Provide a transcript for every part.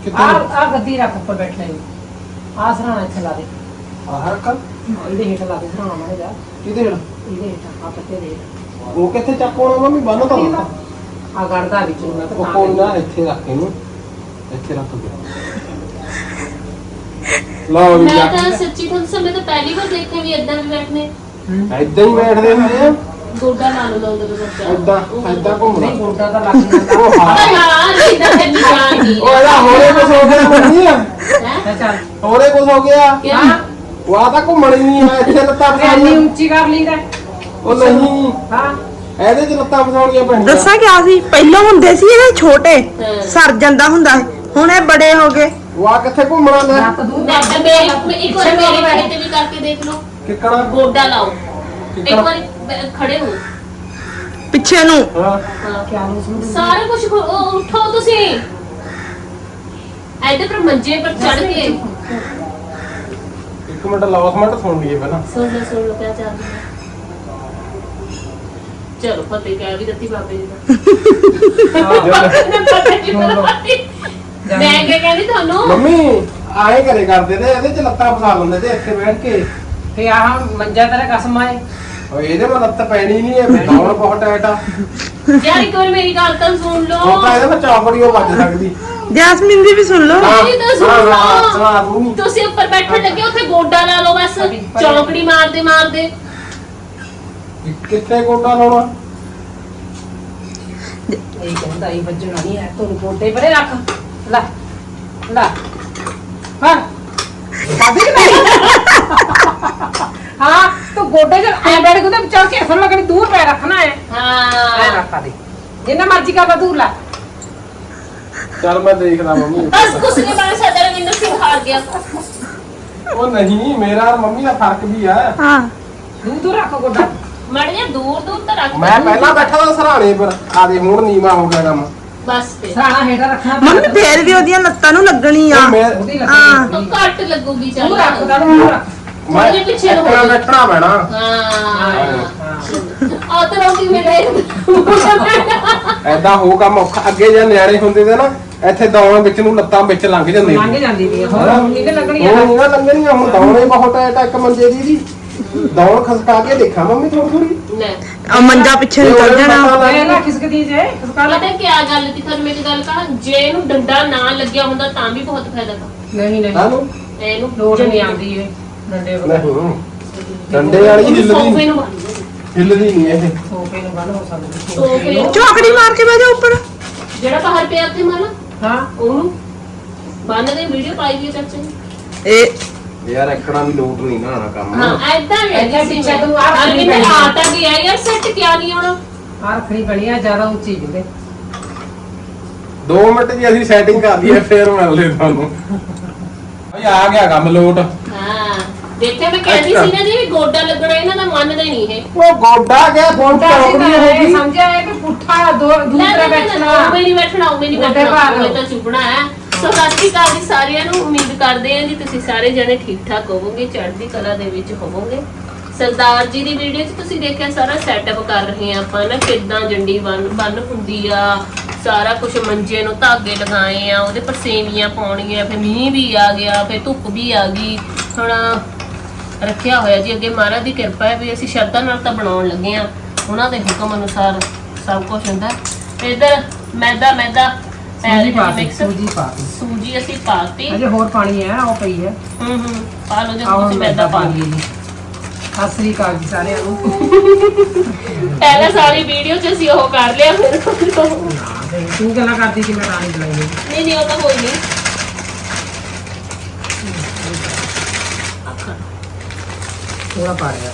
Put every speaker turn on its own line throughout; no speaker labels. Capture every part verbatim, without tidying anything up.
ਕਿੱਥੇ
ਆ ਆ ਗੱਦੀ ਰੱਖ ਉੱਪਰ ਬੈਠਣੇ ਨੂੰ ਆ ਸਰਾਣਾ ਇੱਥੇ ਲਾ ਦੇ
ਆਹ ਕਰ
ਇਹਦੇ ਹੇਠ ਲਾ ਦੇ ਸਰਾਣਾ ਮਾਰੇ ਜਾ
ਕਿਹਦੇ ਹੇਠ
ਇਹਦੇ ਹੇਠ ਆ ਪੱਤੇ ਦੇ
ਉਹ ਕਿੱਥੇ ਚੱਕੋਣਾ ਮੰਮੀ ਬੰਨ ਤਾਂ ਦਿੱਤਾ
ਆ ਗੜਦਾ ਵਿੱਚ ਨੂੰ ਮੈਂ
ਉਹ ਕੋਈ ਨਾ ਇੱਥੇ ਰੱਖ ਇਹਨੂੰ ਇੱਥੇ ਰੱਖ ਦੇ ਲਓ ਵੀ
ਮੈਂ ਤਾਂ ਸੱਚੀ ਤੁਹਾਨੂੰ ਸਮੇਂ ਤਾਂ ਪਹਿਲੀ ਵਾਰ ਦੇਖਿਆ ਵੀ ਇਦਾਂ ਵੀ ਬੈਠਨੇ
ਏਦਾਂ ਹੀ ਬੈਠਦੇ ਹੁੰਦੇ ਆ
ਗੋਡਾ ਲਾ ਲਓ ਲਾਉਂਦੇ ਬੱਚਾ
ਏਦਾਂ ਏਦਾਂ ਘੁੰਮਣਾ
ਨਹੀਂ ਗੋਡਾ ਤਾਂ ਲੱਗ ਜਾਂਦਾ
ਉਹ ਹਾਂ
ਹਾਂ ਇਦਾਂ ਤੇ ਨਿਸ਼ਾਨ ਨਹੀਂ
ਉਹ ਇਹਦਾ ਹੋਰੇ ਕੁਛ ਹੋ ਗਿਆ ਮੰਮੀ
ਹੈ
ਚੱਲ
ਹੋਰੇ ਕੁਛ ਹੋ ਗਿਆ
ਕਿਆ
ਉਹ ਆ ਤਾਂ ਘੁੰਮਣ ਹੀ ਨਹੀਂ ਹੈ ਇੱਥੇ ਲੱਤਾਂ
ਇੰਨੀ
ਫਸਾਉਣੀਆਂ
ਉੱਚੀ ਕਰ ਲਈਦਾ
ਉਹ ਨਹੀਂ
ਹਾਂ
ਇਹਦੇ ਚ ਲੱਤਾਂ ਫਸਾਉਣੀਆਂ ਪੈਣੀਆਂ
ਦੱਸਾਂ ਕਿਆ ਸੀ ਪਹਿਲਾਂ ਹੁੰਦੇ ਸੀ ਇਹ ਛੋਟੇ
ਹਾਂ।
ਸਰ ਜਾਂਦਾ ਹੁੰਦਾ ਸੀ। ਹੁਣ ਇਹ ਬੜੇ ਹੋ ਗਏ
ਉਹ ਆ ਕਿੱਥੇ ਘੁੰਮਣਾ ਲੈ
ਲੱਤ ਦੂਰ
ਮੈਂ ਤਾਂ ਮੇਰੇ ਇੱਕ ਵਾਰ ਮੇਰੇ ਖੜੇ ਤੇ ਵੀ ਕਰਕੇ ਦੇਖ ਲਓ
ਕਿੱਕਣਾ
ਗੋਡਾ ਲਾਓ ਇੱਕ ਵਾਰ ਖੜੇ ਹੋ
ਪਿੱਛੇ ਨੂੰ
ਹਾਂ
ਹਾਂ
ਕਿਆ ਨੂੰ ਸਮਝ
ਸਾਰਾ ਕੁਝ ਉਠੋ ਤੁਸੀਂ ਐਡੇ ਪਰ ਮੰਜੇ ਪਰ ਚੜ ਕੇ
ਇੱਕ ਮਿੰਟ ਲੌਸਮੈਂਟ ਸੁਣ ਲਈਏ ਪਹਿਲਾਂ
ਸੁਣ ਲਓ ਸੁਣ ਲਓ ਕਿਆ ਚੱਲ ਰਿਹਾ ਚਲੋ ਫਤਿਹ ਕਹਿ ਵੀ ਦਿੱਤੀ ਬਾਬੇ ਜੀ ਦਾ ਮੈਂ ਕਿਆ ਕਹਿੰਦੀ ਤੁਹਾਨੂੰ
ਮੰਮੀ ਆਏ ਘਰੇ ਕਰਦੇ ਤੇ ਇਹਦੇ ਚ ਲੱਤਾਂ ਫਸਾ ਲੈਂਦੇ ਤੇ ਇੱਥੇ ਬੈਠ ਕੇ
ਤੇ ਆਹ ਮੰਜਾ ਤੇਰਾ ਕਸਮ ਆਏ
ਓਏ ਇਹਦੇ ਨਾਲ ਲੱਤ ਪੈਣੀ ਨਹੀਂ ਹੈ ਦੌੜ ਬਹੁਤ ਟਾਈਟ ਆ
ਯਾਰ ਇੱਕ ਵਾਰ ਮੇਰੀ ਗੱਲ ਤਾਂ ਸੁਣ
ਉਹ
ਲਓ
ਤਾਂ ਇਹਦੇ ਨਾਲ ਚੌਕੜੀ ਉਹ ਵੱਜ ਸਕਦੀ
ਜੈਸਮੀਨ ਦੀ ਵੀ ਸੁਣ ਲਓ
ਮੇਰੀ ਤਾਂ ਸੁਣ
ਹਾਂ, ਹਾਂ,
ਲਓ
ਸੁਣਾ ਦੂੰਗੀ।
ਤੁਸੀਂ ਉੱਪਰ ਬੈਠਣ ਲੱਗੇ ਉੱਥੇ ਗੋਡਾ ਲਾ ਲਓ ਬਸ ਚੌਕੜੀ ਮਾਰਦੇ ਮਾਰਦੇ
ਕਿੱਥੇ ਗੋਡਾ ਲਾਉਣਾ
ਇਹ ਕਹਿੰਦਾ ਇਹ ਵੱਜਣਾ ਨਹੀਂ ਹੈ ਤੂੰ ਗੋਡੇ ਪਰੇ ਰੱਖ ਲੈ ਲੈ ਹਾਂ ਬਾਬੀ ਨਹੀਂ ਹਾਂ ਤੂੰ ਗੋਡੇ ਚ ਐ ਬੈਠ ਕੇ ਤੇ ਚੜ ਕੇ ਅਸਲ ਲੱਗਣੀ ਦੂਰ ਪੈ ਰੱਖਣਾ ਹੈ ਐ
ਹਾਂ
ਰੱਖਾ ਦੇ ਜਿੰਨਾ ਮਰਜ਼ੀ ਕਰਦਾ ਦੂਰ ਲੈ
ਚੱਲ ਮੈਂ ਦੇਖਦਾ ਮੰਮੀ
ਬਸ ਕੁਛ ਨਹੀਂ ਬਣ ਸਕਦਾ ਰਵਿੰਦਰ ਸਿੰਘ ਹਾਰ ਗਿਆ
ਉਹ ਨਹੀਂ ਮੇਰਾ ਔਰ ਮੰਮੀ ਦਾ ਫਰਕ ਵੀ ਆ
ਹਾਂ
ਦੂਰ ਦੂਰ ਰੱਖ ਗੋਡਾ
ਮੜ ਜਾ ਦੂਰ ਦੂਰ ਤਾਂ ਰੱਖ
ਮੈਂ ਪਹਿਲਾਂ ਬੈਠਾ ਤਾਂ ਸਰਾਣੇ ਪਰ ਆ ਦੇ ਹੁਣ ਨੀਵਾ ਹੋ ਗਿਆ ਕੰਮ
ਬਸ ਫਿਰ
ਸਰਾਣਾ ਹੇਠਾਂ ਰੱਖਣਾ
ਮੰਮੀ ਫੇਰ ਵੀ ਉਹਦੀਆਂ ਲੱਤਾਂ ਨੂੰ ਲੱਗਣੀ ਆ
ਉਹ ਮੈਂ
ਉਹਦੀ
ਹਾਂ।
ਲੱਗੀ
ਉਹ ਘੱਟ ਲੱਗੂਗੀ ਚੱਲ
ਦੂਰ ਰੱਖ ਦਾ ਦੂਰ ਰੱਖ
ਮੈਂ
ਥੋੜੇ ਪਿੱਛੇ ਨੂੰ ਹੋ
ਇੱਥੇ
ਜਾ।
ਬੈਠਣਾ ਪੈਣਾ
ਹਾਂ
ਹਾਂ
ਆ ਤਾਂ ਰੋਟੀ ਮੇਰੇ
ਐਦਾਂ ਹੋ ਕੰਮ ਔਖਾ ਅੱਗੇ ਜੇ ਨਿਆਣੇ ਹੁੰਦੇ ਤੇ ਨਾ ਇੱਥੇ ਦੌੜਾਂ ਵਿੱਚ ਨੂੰ ਲੱਤਾਂ ਵਿੱਚ ਲੰਘ ਜਾਂਦੀਆਂ
ਲੰਘ ਜਾਂਦੀ ਵੀ ਹੋਰ ਹੁਣ ਨਹੀਂ ਤੇ ਲੱਗਣੀ
ਹੁਣ ਨਹੀਂ ਨਾ ਲੰਘਣੀਆਂ ਹੁਣ ਦੌੜੇ ਬਹੁਤ ਟਾਈਟ ਇੱਕ ਮੰਜੇ ਦੀ ਦੀ ਦੌੜ ਖਸਕਾ ਕੇ ਦੇਖਾਂ ਮੰਮੀ ਥੋੜੀ ਥੋੜੀ
ਲੈ
ਆ ਮੰਜਾ ਪਿੱਛੇ ਨੂੰ ਚੱਲ ਜਾਣਾ
ਇਹ ਨਾ ਖਿਸਕਦੀ ਜੇ ਖਿਸਕਾ ਲੈ
ਪਤਾ ਕੀ ਗੱਲ ਸੀ ਤੁਹਾਨੂੰ ਮੇਰੀ ਗੱਲ ਕਹਾਂ ਜੇ ਇਹਨੂੰ ਡੰਡਾ ਨਾ ਲੱਗਿਆ ਹੁੰਦਾ ਤਾਂ ਵੀ ਬਹੁਤ ਫਾਇਦਾ ਤਾ
ਨਹੀਂ ਨਹੀਂ
ਹਾਨੂੰ
ਇਹਨੂੰ
ਲੋੜ ਨਹੀਂ ਆਉਂਦੀ ਇਹ ਡੰਡੇ ਵਗੈਰਾ
ਨਹੀਂ ਡੰਡੇ ਵਾਲੀ ਹਿੱਲਦੀ
ਸੋਫੇ
ਨਹੀਂ
ਨੂੰ ਬੰਨ
ਹਿੱਲਦੀ ਨਹੀਂ ਇਹ
ਸੋਫੇ ਨੂੰ ਬੰਨ ਹੋ ਸਕਦੀ
ਸੋਫੇ ਨੂੰ
ਚੌਕੜੀ ਮਾਰ ਕੇ ਬਹਿ ਜਾ ਉੱਪਰ
ਜਿਹੜਾ ਬਾਹਰ ਪਿਆ ਤੇ ਮਾਲਾ
ਹਾਂ
ਉਹਨੂੰ ਬੰਨ ਦੇ ਵੀਡੀਓ ਪਾਈ ਵੀ ਚਾਚੇ ਨੇ
ਇਹ
ਯਾਰ ਐਕੜਾ ਵੀ ਲੋਟ ਨਹੀਂ ਨਾ ਆਣਾ ਕੰਮ
ਹਾਂ ਐਦਾਂ ਵੀ
ਏਦਾਂ
ਸੀ
ਪਿੱਛੇ
ਮੈਂ
ਤੂੰ ਆਹ
ਅਰੇ
ਖੜੀ
ਮੈਂ
ਬੈਠੀ।
ਆਟਾ ਵੀ ਹੈ ਯਾਰ ਸੈੱਟ ਕਿਆ ਨਹੀਂ ਆਉਣਾ
ਆਹ ਰੱਖਣੀ ਬਣੀ ਆ ਜ਼ਿਆਦਾ ਉੱਚੀ ਜੁਗੇ
ਦੋ ਮਿੰਟ ਦੀ ਅਸੀਂ ਸੈਟਿੰਗ ਕਰ ਲਈਏ ਫੇਰ ਮਿਲਦੇ ਤੁਹਾਨੂੰ ਓਏ ਆ ਗਿਆ ਕੰਮ ਲੋਟ
ਹਾਂ ਦੇਖਿਆ ਮੈਂ ਕਹਿੰਦੀ ਸੀ ਨਾ ਜੀ ਵੀ ਗੋਡਾ ਲੱਗਣਾ ਇਹਨਾਂ ਦਾ ਮੰਨਦੇ ਨਹੀਂ ਇਹ
ਉਹ ਗੋਡਾ ਗਿਆ ਫੋਨ
ਤਾਂ ਅਸੀਂ
ਚੌਕੜੀ
ਤਾਂ
ਹੋ
ਇਹ
ਗਈ
ਸਮਝਿਆ ਹੈ ਕਿ ਪੁੱਠਾ ਦੋ
ਲੈ
ਦੂਸਰਾ ਬੈਠਣਾ
ਉਹ ਨਹੀਂ ਬੈਠਣਾ ਉਹ ਨਹੀਂ
ਗੋਡੇ
ਬੈਠਣਾ
ਭਾਰ
ਉਹ ਤਾਂ ਚੁੱਪਣਾ ਹੈ ਸੋ ਸਤਿ ਸ਼੍ਰੀ ਅਕਾਲ ਜੀ ਸਾਰਿਆਂ ਨੂੰ ਉਮੀਦ ਕਰਦੇ ਹਾਂ ਜੀ ਤੁਸੀਂ ਸਾਰੇ ਜਣੇ ਠੀਕ ਠਾਕ ਹੋਵੋਗੇ ਚੜ੍ਹਦੀ ਕਲਾ ਦੇ ਵਿੱਚ ਹੋਵੋਗੇ ਸਰਦਾਰ ਜੀ ਦੀ ਵੀਡੀਓ 'ਚ ਤੁਸੀਂ ਦੇਖਿਆ ਸਾਰਾ ਸੈਟਅਪ ਕਰ ਰਹੇ ਆ ਆਪਾਂ ਨਾ ਕਿੱਦਾਂ ਜੰਡੀ ਬੰਨ ਬੰਨ ਹੁੰਦੀ ਆ ਸਾਰਾ ਕੁਝ ਮੰਜੇ ਨੂੰ ਧਾਗੇ ਲਗਾਏ ਆ ਉਹਦੇ ਪਰ ਸੇਵੀਆਂ ਪਾਉਣੀਆਂ ਫਿਰ ਮੀਂਹ ਵੀ ਆ ਗਿਆ ਫਿਰ ਧੁੱਪ ਵੀ ਆ ਗਈ ਹੁਣ ਰੱਖਿਆ ਹੋਇਆ ਜੀ ਅੱਗੇ ਮਹਾਰਾਜ ਦੀ ਕਿਰਪਾ ਹੈ ਵੀ ਅਸੀਂ ਸ਼ਰਧਾ ਨਾਲ ਤਾਂ ਬਣਾਉਣ ਲੱਗੇ ਆ ਉਹਨਾਂ ਦੇ ਹੁਕਮ ਅਨੁਸਾਰ ਸਭ ਕੁਝ ਹੁੰਦਾ ਤੇ ਇਧਰ ਮੈਦਾ ਮੈਦਾ
ਸੂਜੀ ਪਾ ਦੇ
ਮਿਕਸ
ਸੂਜੀ ਪਾ ਦੇ
ਸੂਜੀ ਅਸੀਂ ਪਾਤੀ
ਅਜੇ ਹੋਰ ਪਾਣੀ ਹੈ ਉਹ ਪਈ ਹੈ
ਹੂੰ ਹੂੰ ਪਾ ਲਓ ਜੇ
ਆਹ
ਤੁਸੀਂ ਮੈਦਾ ਪਾ ਲਈ
ਜੀ ਸਤਿ ਸ੍ਰੀ ਅਕਾਲ ਜੀ ਸਾਰਿਆਂ ਨੂੰ
ਪਹਿਲਾਂ ਸਾਰੀ ਵੀਡੀਓ 'ਚ ਅਸੀਂ ਉਹ ਕਰ ਲਿਆ ਫਿਰ
ਤੂੰ ਗੱਲਾਂ ਕਰਦੀ ਸੀ ਮੈਂ ਰਾਣੀ ਬੁਲਾਈ
ਨਹੀਂ ਨਹੀਂ ਉਹ ਤਾਂ ਹੋਈ ਨਹੀਂ
ਥੋੜਾ ਪਾ ਰਿਹਾ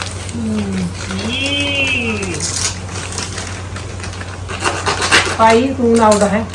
ਪਾਈ ਤੂੰ ਨਾ ਆਉਂਦਾ ਹੈ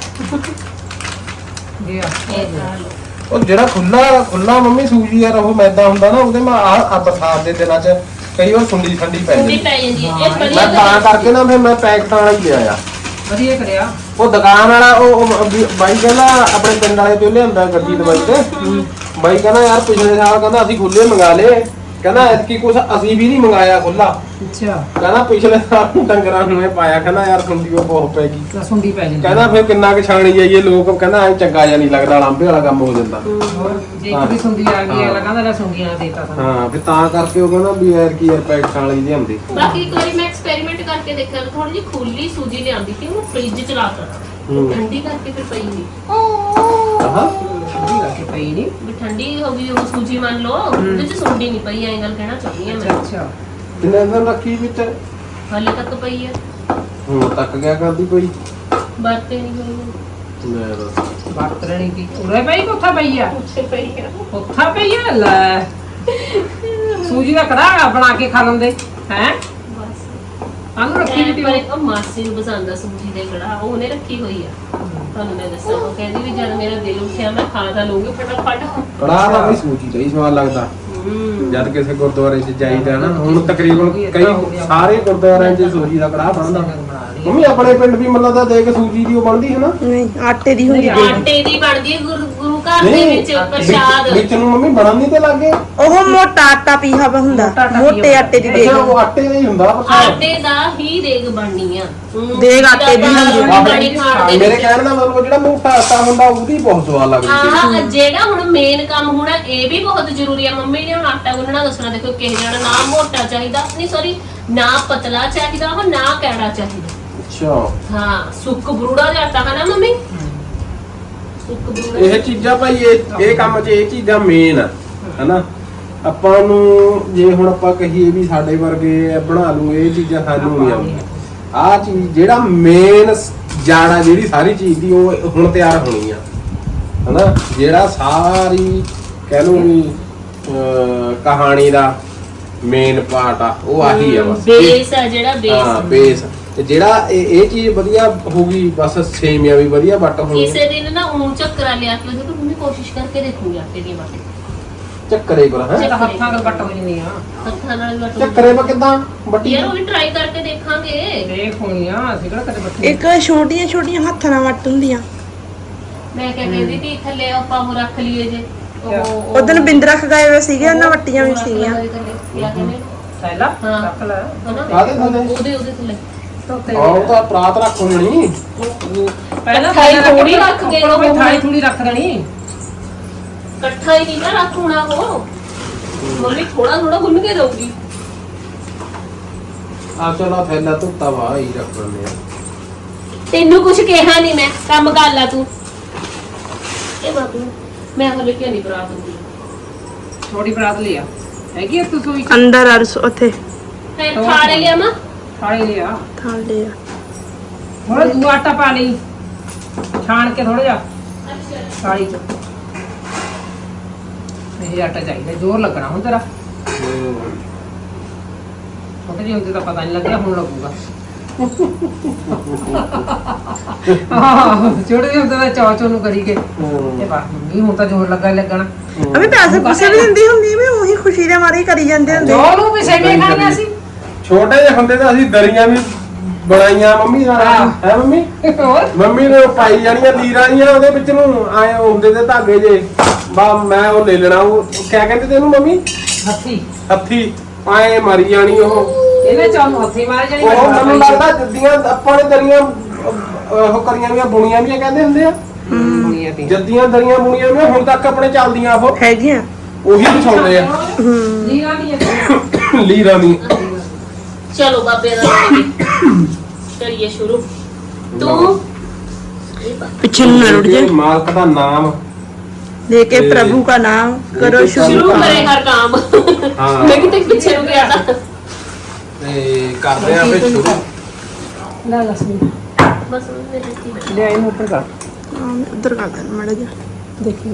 ਜੀ ਆ
ਉਹ ਜਿਹੜਾ ਖੁੱਲਾ ਖੁੱਲਾ ਮੰਮੀ ਸੂਜੀ ਯਾਰ ਉਹ ਮੈਦਾ ਹੁੰਦਾ ਨਾ ਉਹਦੇ ਮੈਂ ਆ ਬਰਸਾਤ ਦੇ ਦਿਨਾਂ 'ਚ ਕਈ ਵਾਰ ਸੁੰਡੀ ਠੰਡੀ ਪੈ
ਕੁੰਡੀ
ਜਾਂਦੀ
ਪੈ ਜਾਂਦੀ ਹੈ ਇਹ
ਮੈਂ
ਵਧੀਆ
ਤਾਂ ਕਰਕੇ ਨਾ ਫਿਰ ਮੈਂ ਪੈਕਟ ਵਾਲਾ ਹੀ ਲਿਆ ਆ
ਵਧੀਆ ਕਰਿਆ
ਉਹ ਦੁਕਾਨ ਵਾਲਾ ਉਹ ਉਹ ਵੀ- ਬਾਈ ਕਹਿੰਦਾ ਆਪਣੇ ਪਿੰਡ ਵਾਲੇ ਤੋਂ ਲਿਆਂਦਾ ਗੱਡੀ ਦਵਾਈ ਤੇ ਬਾਈ ਕਹਿੰਦਾ ਯਾਰ ਪਿਛਲੇ ਸਾਲ ਕਹਿੰਦਾ ਅਸੀਂ ਖੁੱਲੇ ਮੰਗਾ ਲਏ ਕਹਿੰਦਾ ਐਤਕੀ ਕੁਛ ਅਸੀਂ ਵੀ ਨਹੀਂ ਮੰਗਾਇਆ ਖੁੱਲਾ।
ਅੱਛਾ
ਕਹਿੰਦਾ ਪਿਛਲੇ ਸਾਲ ਨੂੰ ਡੰਗਰਾਂ ਨੂੰ ਇਹ ਪਾਇਆ, ਕਹਿੰਦਾ ਯਾਰ ਸੁੰਡੀ ਉਹ ਬਹੁਤ ਪੈ ਗਈ।
ਤਾਂ ਸੁੰਡੀ ਪੈ ਜਾਂਦੀ
ਕਹਿੰਦਾ ਫਿਰ ਕਿੰਨਾ ਕੁ ਛਾਣੀ ਜਾਈਏ, ਲੋਕ ਕਹਿੰਦਾ ਐ ਚੰਗਾ ਜਿਹਾ ਨਹੀਂ ਲੱਗਦਾ, ਲਾਂਬੇ ਵਾਲਾ ਕੰਮ ਹੋ ਜਾਂਦਾ।
ਹੋਰ ਜੇ ਇੱਕ ਵੀ ਸੁੰਡੀ ਆ ਗਈ ਅਗਲਾ ਕਹਿੰਦਾ ਲੈ ਸੁੰਡੀਆਂ ਦੇਤਾ ਸਾਨੂੰ।
ਹਾਂ ਫਿਰ ਤਾਂ ਕਰਕੇ ਉਹ ਕਹਿੰਦਾ ਵੀ ਯਾਰ ਕੀ ਯਾਰ ਪੈਕਟ ਵਾਲੀ ਲਿਆਂਦੀ।
ਬਾਕੀ ਇੱਕ ਵਾਰੀ ਮੈਂ ਐਕਸਪੈਰੀਮੈਂਟ ਕਰਕੇ ਦੇਖਿਆ, ਥੋੜੀ ਜਿਹੀ ਖੁੱਲੀ ਸੂਜੀ ਲਿਆਂਦੀ ਸੀ, ਉਹਨੂੰ ਫ੍ਰਿਜ ਚ ਲਾ ਦਿੱਤਾ, ਠੰਡੀ ਕਰਕੇ ਫਿਰ ਪਈ ਨਹੀਂ।
ਹਾਂ
ਸੁੰਡੀ ਕਰਕੇ ਪਈ ਨਹੀਂ।
ਵੀ ਠੰਡੀ ਹੋ ਗਈ ਉਹ ਸੂਜੀ ਮੰਨ ਲਓ, ਉਹਦੇ ਚ ਸੁੰਡੀ ਨਹੀਂ ਪਈ, ਐਂ ਗੱਲ ਕਹਿਣਾ ਚਾਹੁੰਦੀ ਹਾਂ
ਅੱਛਾ
ਮੈਂ।
ਅੱਛਾ
ਕਿੰਨੇ ਦਿਨ ਰੱਖੀ ਵਿੱਚ?
ਹਾਲੇ ਤੱਕ ਪਈ ਹੈ,
ਹੁਣ ਤੱਕ ਗਿਆ ਕਰਦੀ ਕੋਈ।
ਵਰਤੇ ਨਹੀਂ ਹੋਈ,
ਲੈ ਦੱਸ
ਵਰਤ ਲੈਣੀ ਕੀ ਉਰੇ ਪਈ ਕੋਠਾ ਪਈ ਆ?
ਉੱਥੇ ਪਈ ਹੈ।
ਕੋਠਾ ਪਈ ਆ ਲੈ ਸੂਜੀ ਦਾ ਕੜਾ ਬਣਾ ਕੇ ਖਾ ਲੈਂਦੇ ਹੈ।
ਬਸ
ਆਨੂੰ ਰੱਖੀ ਵੀ
ਪਰ
ਤੀ
ਇੱਕ ਮਾਸੀ ਨੂੰ ਪਸੰਦ ਆ ਸੂਜੀ ਦੇ ਕੜਾ, ਉਹ ਉਹਨੇ ਰੱਖੀ ਹੋਈ ਆ। ਤੁਹਾਨੂੰ ਮੈਂ ਦੱਸਾਂ, ਉਹ ਕਹਿੰਦੀ ਵੀ ਜਦ ਮੇਰਾ ਦਿਲ ਉੱਠਿਆ ਮੈਂ ਖਾ ਤਾਂ ਲਊਂਗੀ ਫਟਾਫਟ।
ਕੜਾਹ ਦਾ ਵੀ ਸੂਜੀ ਦਾ ਹੀ ਸਵਾਦ ਲੱਗਦਾ। ਜਦ ਕਿਸੇ ਗੁਰਦੁਆਰੇ 'ਚ ਜਾਈਦਾ ਨਾ, ਹੁਣ ਤਕਰੀਬਨ ਕਈ ਸਾਰੇ ਗੁਰਦੁਆਰਿਆਂ 'ਚ ਸੂਜੀ ਦਾ ਕੜਾਹ ਬਣਦਾ। ਮੰਮੀ ਆਪਣੇ ਪਿੰਡ ਵੀ ਮਤਲਬ ਤਾਂ ਦੇਖ ਸੂਜੀ ਦੀ ਉਹ ਬਣਦੀ ਹੈ ਨਾ?
ਨਹੀਂ ਆਟੇ ਦੀ ਹੁੰਦੀ
ਨਹੀਂ,
ਹੈ।
ਆਟੇ ਦੀ ਬਣਦੀ ਹੈ ਗੁਰੂ ਗੁਰੂ ਘਰ ਦੇ ਵਿੱਚ ਪ੍ਰਸ਼ਾਦ।
ਵਿੱਚ- ਵਿੱਚ ਨੂੰ ਮੰਮੀ ਬਣਨ ਨਹੀਂ ਤੇ ਲੱਗੇ।
ਉਹ ਮੋਟਾ ਆਟਾ ਪੀਹਾ ਵਾ ਹੁੰਦਾ,
ਮੋਟਾ ਆਟਾ
ਮੋਟੇ ਆਟੇ ਦੀ ਦੇਗ।
ਅੱਛਾ ਉਹ ਆਟੇ ਦਾ ਹੀ ਹੁੰਦਾ ਪ੍ਰਸ਼ਾਦ।
ਆਟੇ ਦਾ ਹੀ ਦੇਗ ਬਣਨੀ ਆ।
ਦੇਗ ਆਟੇ ਦੀ ਹੁੰਦੀ
ਆ। ਪਾਣੀ ਖਾਣ ਦੇ
ਮੇਰੇ
ਵਿੱਚ।
ਕਹਿਣ ਦਾ ਮਤਲਬ ਜਿਹੜਾ ਮੋਟਾ ਆਟਾ ਹੁੰਦਾ ਉਹਦੀ ਬਹੁਤ ਸਵਾਦ ਲੱਗਦੀ ਹੈ।
ਆਹ ਜਿਹੜਾ ਹੁਣ ਮੇਨ ਕੰਮ ਹੋਣਾ ਇਹ ਵੀ ਬਹੁਤ ਜ਼ਰੂਰੀ ਆ। ਮੰਮੀ ਨੇ ਹੁਣ ਆਟਾ ਗੁੰਨਣਾ ਦੱਸਣਾ, ਦੇਖੋ ਕਿਸੇ ਜਣਾ ਨਾ ਮੋਟਾ ਚਾਹੀਦਾ, ਨਹੀਂ ਸੌਰੀ ਨਾ ਪਤਲਾ ਚਾਹੀਦਾ, ਉਹ ਨਾ ਕੈੜਾ ਚਾਹੀਦਾ।
ਅੱਛਾ
ਹਾਂ ਸੁੱਕ ਬਰੂੜਾ ਜਿਹਾ ਆਟਾ ਹੈ ਨਾ ਮੰਮੀ, ਸੁੱਕ ਬਰੂੜਾ।
ਇਹ ਚੀਜ਼ਾਂ ਭਾਈ ਇਹ ਇਹ ਕੰਮ 'ਚ ਇਹ ਚੀਜ਼ਾਂ ਮੇਨ ਆ ਹਨਾ। ਆਪਾਂ ਨੂੰ ਜੇ ਹੁਣ ਆਪਾਂ ਕਹੀਏ ਵੀ ਸਾਡੇ ਵਰਗੇ ਬਣਾ ਲੂ ਇਹ ਚੀਜ਼ਾਂ ਸਾਨੂੰ ਨਹੀਂ ਆਉਂਦੀਆਂ। ਆਹ ਚੀਜ਼ ਜਿਹੜਾ ਮੇਨ ਜਾੜਾ ਜਿਹੜੀ ਸਾਰੀ ਚੀਜ਼ ਦੀ ਉਹ ਹੁਣ ਤਿਆਰ ਹੋਣੀ ਆ ਹਨਾ। ਜਿਹੜਾ ਸਾਰੀ ਕਹਿ ਲਓ ਵੀ ਅਹ, ਕਹਾਣੀ ਦਾ ਮੇਨ ਪਾਰਟ ਆ ਉਹ ਆਹੀ ਆ ਬਸ।
ਬੇਸ ਆ ਜਿਹੜਾ
ਹਾਂ
ਬੇਸ।
ਬੇਸ ਤੇ ਜਿਹੜਾ ਇਹ ਇਹ ਚੀਜ਼ ਵਧੀਆ ਹੋਊਗੀ ਬਸ ਸੇਮੀਆਂ ਵੀ ਵਧੀਆ ਵੱਟ ਹੋਣਗੀਆਂ।
ਕਿਸੇ ਦਿਨ ਨਾ ਊਂ ਚੱਕਰਾ ਲਿਆ ਕੇ ਉਹਦੇ ਤੋਂ ਮੰਮੀ ਕੋਸ਼ਿਸ਼ ਕਰਕੇ ਦੇਖੂਗੀ ਆਟੇ ਦੀ ਵਾਟੀ।
ਚੱਕਰੇ ਪਰ ਹੈ
ਇਹ ਤਾਂ ਹੱਥਾਂ ਨਾਲ ਵੱਟ ਹੋ ਜਾਂਦੀ ਆ।
ਹੱਥਾਂ ਨਾਲ ਵੀ ਵਾਟੋ।
ਚੱਕਰੇ ਪਰ ਕਿਦਾਂ ਵੱਟੀ?
ਯਾਰ ਉਹ ਵੀ ਟਰਾਈ ਕਰਕੇ ਦੇਖਾਂਗੇ।
ਦੇਖ ਹੋਣੀਆਂ ਅਸੀਂ ਕਿਹੜਾ ਕਦੇ ਬੱਠੀ
ਇੱਕ ਛੋਟੀਆਂ ਛੋਟੀਆਂ ਹੱਥਾਂ ਨਾਲ ਵੱਟ ਹੁੰਦੀਆਂ।
ਮੈਂ ਕਿਹਾ ਕਹਿੰਦੀ ਤੀ ਥੱਲੇ ਆਪਾਂ ਉਹ ਰੱਖ ਲਈਏ ਜੇ ਉਹ
ਉਦੋਂ ਬਿੰਦ ਰੱਖ ਗਏ ਹੋਏ ਸੀਗੇ, ਉਹਨਾਂ ਵੱਟੀਆਂ ਵੀ ਸੀਗੀਆਂ।
ਥੈਲਾ
ਹਾਂ।
ਰੱਖ ਲੈ।
ਕਾਹਦੇ ਥੱਲੇ?
ਉਹਦੇ ਉਹਦੇ ਥੱਲੇ
ਧੋਤੇ
ਆਹ ਉਹ ਤਾਂ ਪ੍ਰਾਤ ਰੱਖ ਹੋਣੀ।
ਪਹਿਲਾਂ
ਥਾਲੀ
ਥੈਲਾ
ਥੋੜੀ ਰੱਖ ਕੇ
ਉੱਪਰੋਂ ਵੀ
ਉਹ
ਥਾਲੀ ਥੋੜੀ ਰੱਖ ਦੇਣੀ।
ਇਕੱਠਾ ਹੀ ਨਹੀਂ ਨਾ ਰੱਖ ਹੋਣਾ ਉਹ। ਮੰਮੀ ਥੋੜਾ ਥੋੜਾ ਗੁੰਨ ਕੇ ਦਊਗੀ।
ਆ ਚਲੋ ਥੈਲਾ ਧੁੱਤਾ ਵਾ ਹੀ ਰੱਖ ਲੈਂਦੇ ਆ।
ਤੈਨੂੰ ਕੁਝ ਕਿਹਾ ਨਹੀਂ ਮੈਂ, ਕੰਮ ਕਰ ਲਾ ਤੂੰ। ਇਹ ਬਾਬੂ ਮੈਂ ਹਲੇ ਕਿਉਂ ਨਹੀਂ ਬਰਾਤ ਹੁੰਦੀ।
ਥੋੜੀ ਬਰਾਤ ਲਿਆ ਹੈਗੀ ਆ ਤੂੰ ਸੂਈ
ਅੰਦਰ ਅਰਸ ਉੱਥੇ
ਫਿਰ ਖਾਣੇ ਲਿਆ ਮਾਂ।
ਖਾਣੇ ਲਿਆ
ਥਾਲ ਲਿਆ।
ਥੋੜਾ ਦੂਆ ਆਟਾ ਪਾ ਲਈ, ਛਾਣ ਕੇ ਥੋੜਾ ਜਿਹਾ ਥਾਲੀ ਚ। ਇਹ ਆਟਾ ਚਾਹੀਦਾ, ਜ਼ੋਰ ਲੱਗਣਾ ਹੁਣ ਤੇਰਾ। ਛੋਟੇ ਜਿਹੇ ਹੁੰਦੇ ਤਾਂ ਪਤਾ ਨਹੀਂ ਲੱਗਿਆ, ਹੁਣ ਲੱਗੂਗਾ। ਹਾਂ ਛੋਟੇ ਜਿਹੇ ਹੁੰਦੇ ਤਾਂ ਚੌ ਚੌ ਨੂੰ ਕਰੀ ਗਏ ਤੇ ਬਸ ਮੰਮੀ ਹੁਣ ਤਾਂ ਜ਼ੋਰ ਲੱਗਾ ਹੀ ਲੱਗਣਾ।
ਅਬੇ ਪੈਸੇ ਪੁੱਸੇ ਵੀ ਦਿੰਦੀ ਹੁੰਦੀ ਮੈਂ ਉਹੀ ਖੁਸ਼ੀ ਦੇ ਮਾਰੇ ਹੀ ਕਰੀ ਜਾਂਦੇ ਹੁੰਦੇ।
ਚੌ ਨੂੰ ਵੀ ਸੇਵੇਂ ਖਾਣੀਆਂ ਸੀ।
ਛੋਟੇ ਜਿਹੇ ਹੁੰਦੇ ਤਾਂ ਅਸੀਂ ਦਰੀਆਂ ਵੀ ਬਣਾਈਆਂ ਮੰਮੀ ਨਾਲ ਹੈ ਮੰਮੀ।
ਹੋਰ
ਮੰਮੀ ਨੇ ਉਹ ਪਾਈ ਜਾਣੀਆਂ ਲੀਰਾਂ ਜੀਆਂ ਉਹਦੇ ਵਿੱਚ ਨੂੰ ਆਏ ਹੁੰਦੇ ਤੇ ਧਾਗੇ ਜੇ ਬਾ ਮੈਂ ਉਹ ਲੈ ਲੈਣਾ। ਉਹ ਕਿਆ ਕਹਿੰਦੇ ਤੇ ਇਹਨੂੰ ਮੰਮੀ?
ਹੱਥੀ
ਹੱਥੀ ਆਏ ਮਾਰੀ ਜਾਣੀ ਉਹ।
ਇਹਨੇ ਚੌ ਨੂੰ ਹੱਥੀ ਮਾਰ ਜਾਣੀ।
ਉਹ ਮੈਨੂੰ ਲੱਗਦਾ ਜੱਦੀਆਂ ਆਪਾਂ ਨੇ ਦਰੀਆਂ ਅਹ, ਉਹ ਕਰੀਆਂ ਵੀਆਂ ਬੁਣੀਆਂ ਵੀਆਂ ਕਹਿੰਦੇ ਹੁੰਦੇ ਆ।
ਦੁਨੀਆ ਦੀ
ਜੱਦੀਆਂ ਦਰੀਆਂ ਬੁਣੀਆਂ ਵੀਆਂ ਹੁਣ ਤੱਕ ਆਪਣੇ ਚੱਲਦੀਆਂ ਉਹ
ਹੈਗੀਆਂ।
ਉਹੀ ਵਿਛਾਉਂਦੇ ਆ
ਲੀਰਾਂ ਦੀਆਂ
ਲੀਰਾਂ ਦੀ।
ਚਲੋ ਬਾਬੇ ਦਾ ਨਾਮ ਕਰੀਏ ਸ਼ੁਰੂ। ਤੂੰ
ਪਿੱਛੇ ਨੂੰ ਨਾ ਰੁੜ ਜਾ।
ਮਾਲਕ ਦਾ ਨਾਮ
लेके प्रभु का नाम करो शुरू।
ਸ਼ੁਰੂ ਕਰੇ ਹਰ ਕੰਮ।
ਹਾਂ।
ਮੈਂ ਕਿਤੇ ਪਿੱਛੇ ਨੂੰ ਗਿਆ ਤਾਂ
ਤੇ ਕਰਦੇ ਆ ਫਿਰ ਸ਼ੁਰੂ।
ਲੈ ਲੈ ਸੁਣ
ਬਸ ਉਹਨੇ ਦਿੱਤੀ
ਲੈ ਇਹਨੂੰ ਉੱਪਰ ਕਰ
हाँ, उधर कर देना माड़ा जा।
ਦੇਖੀ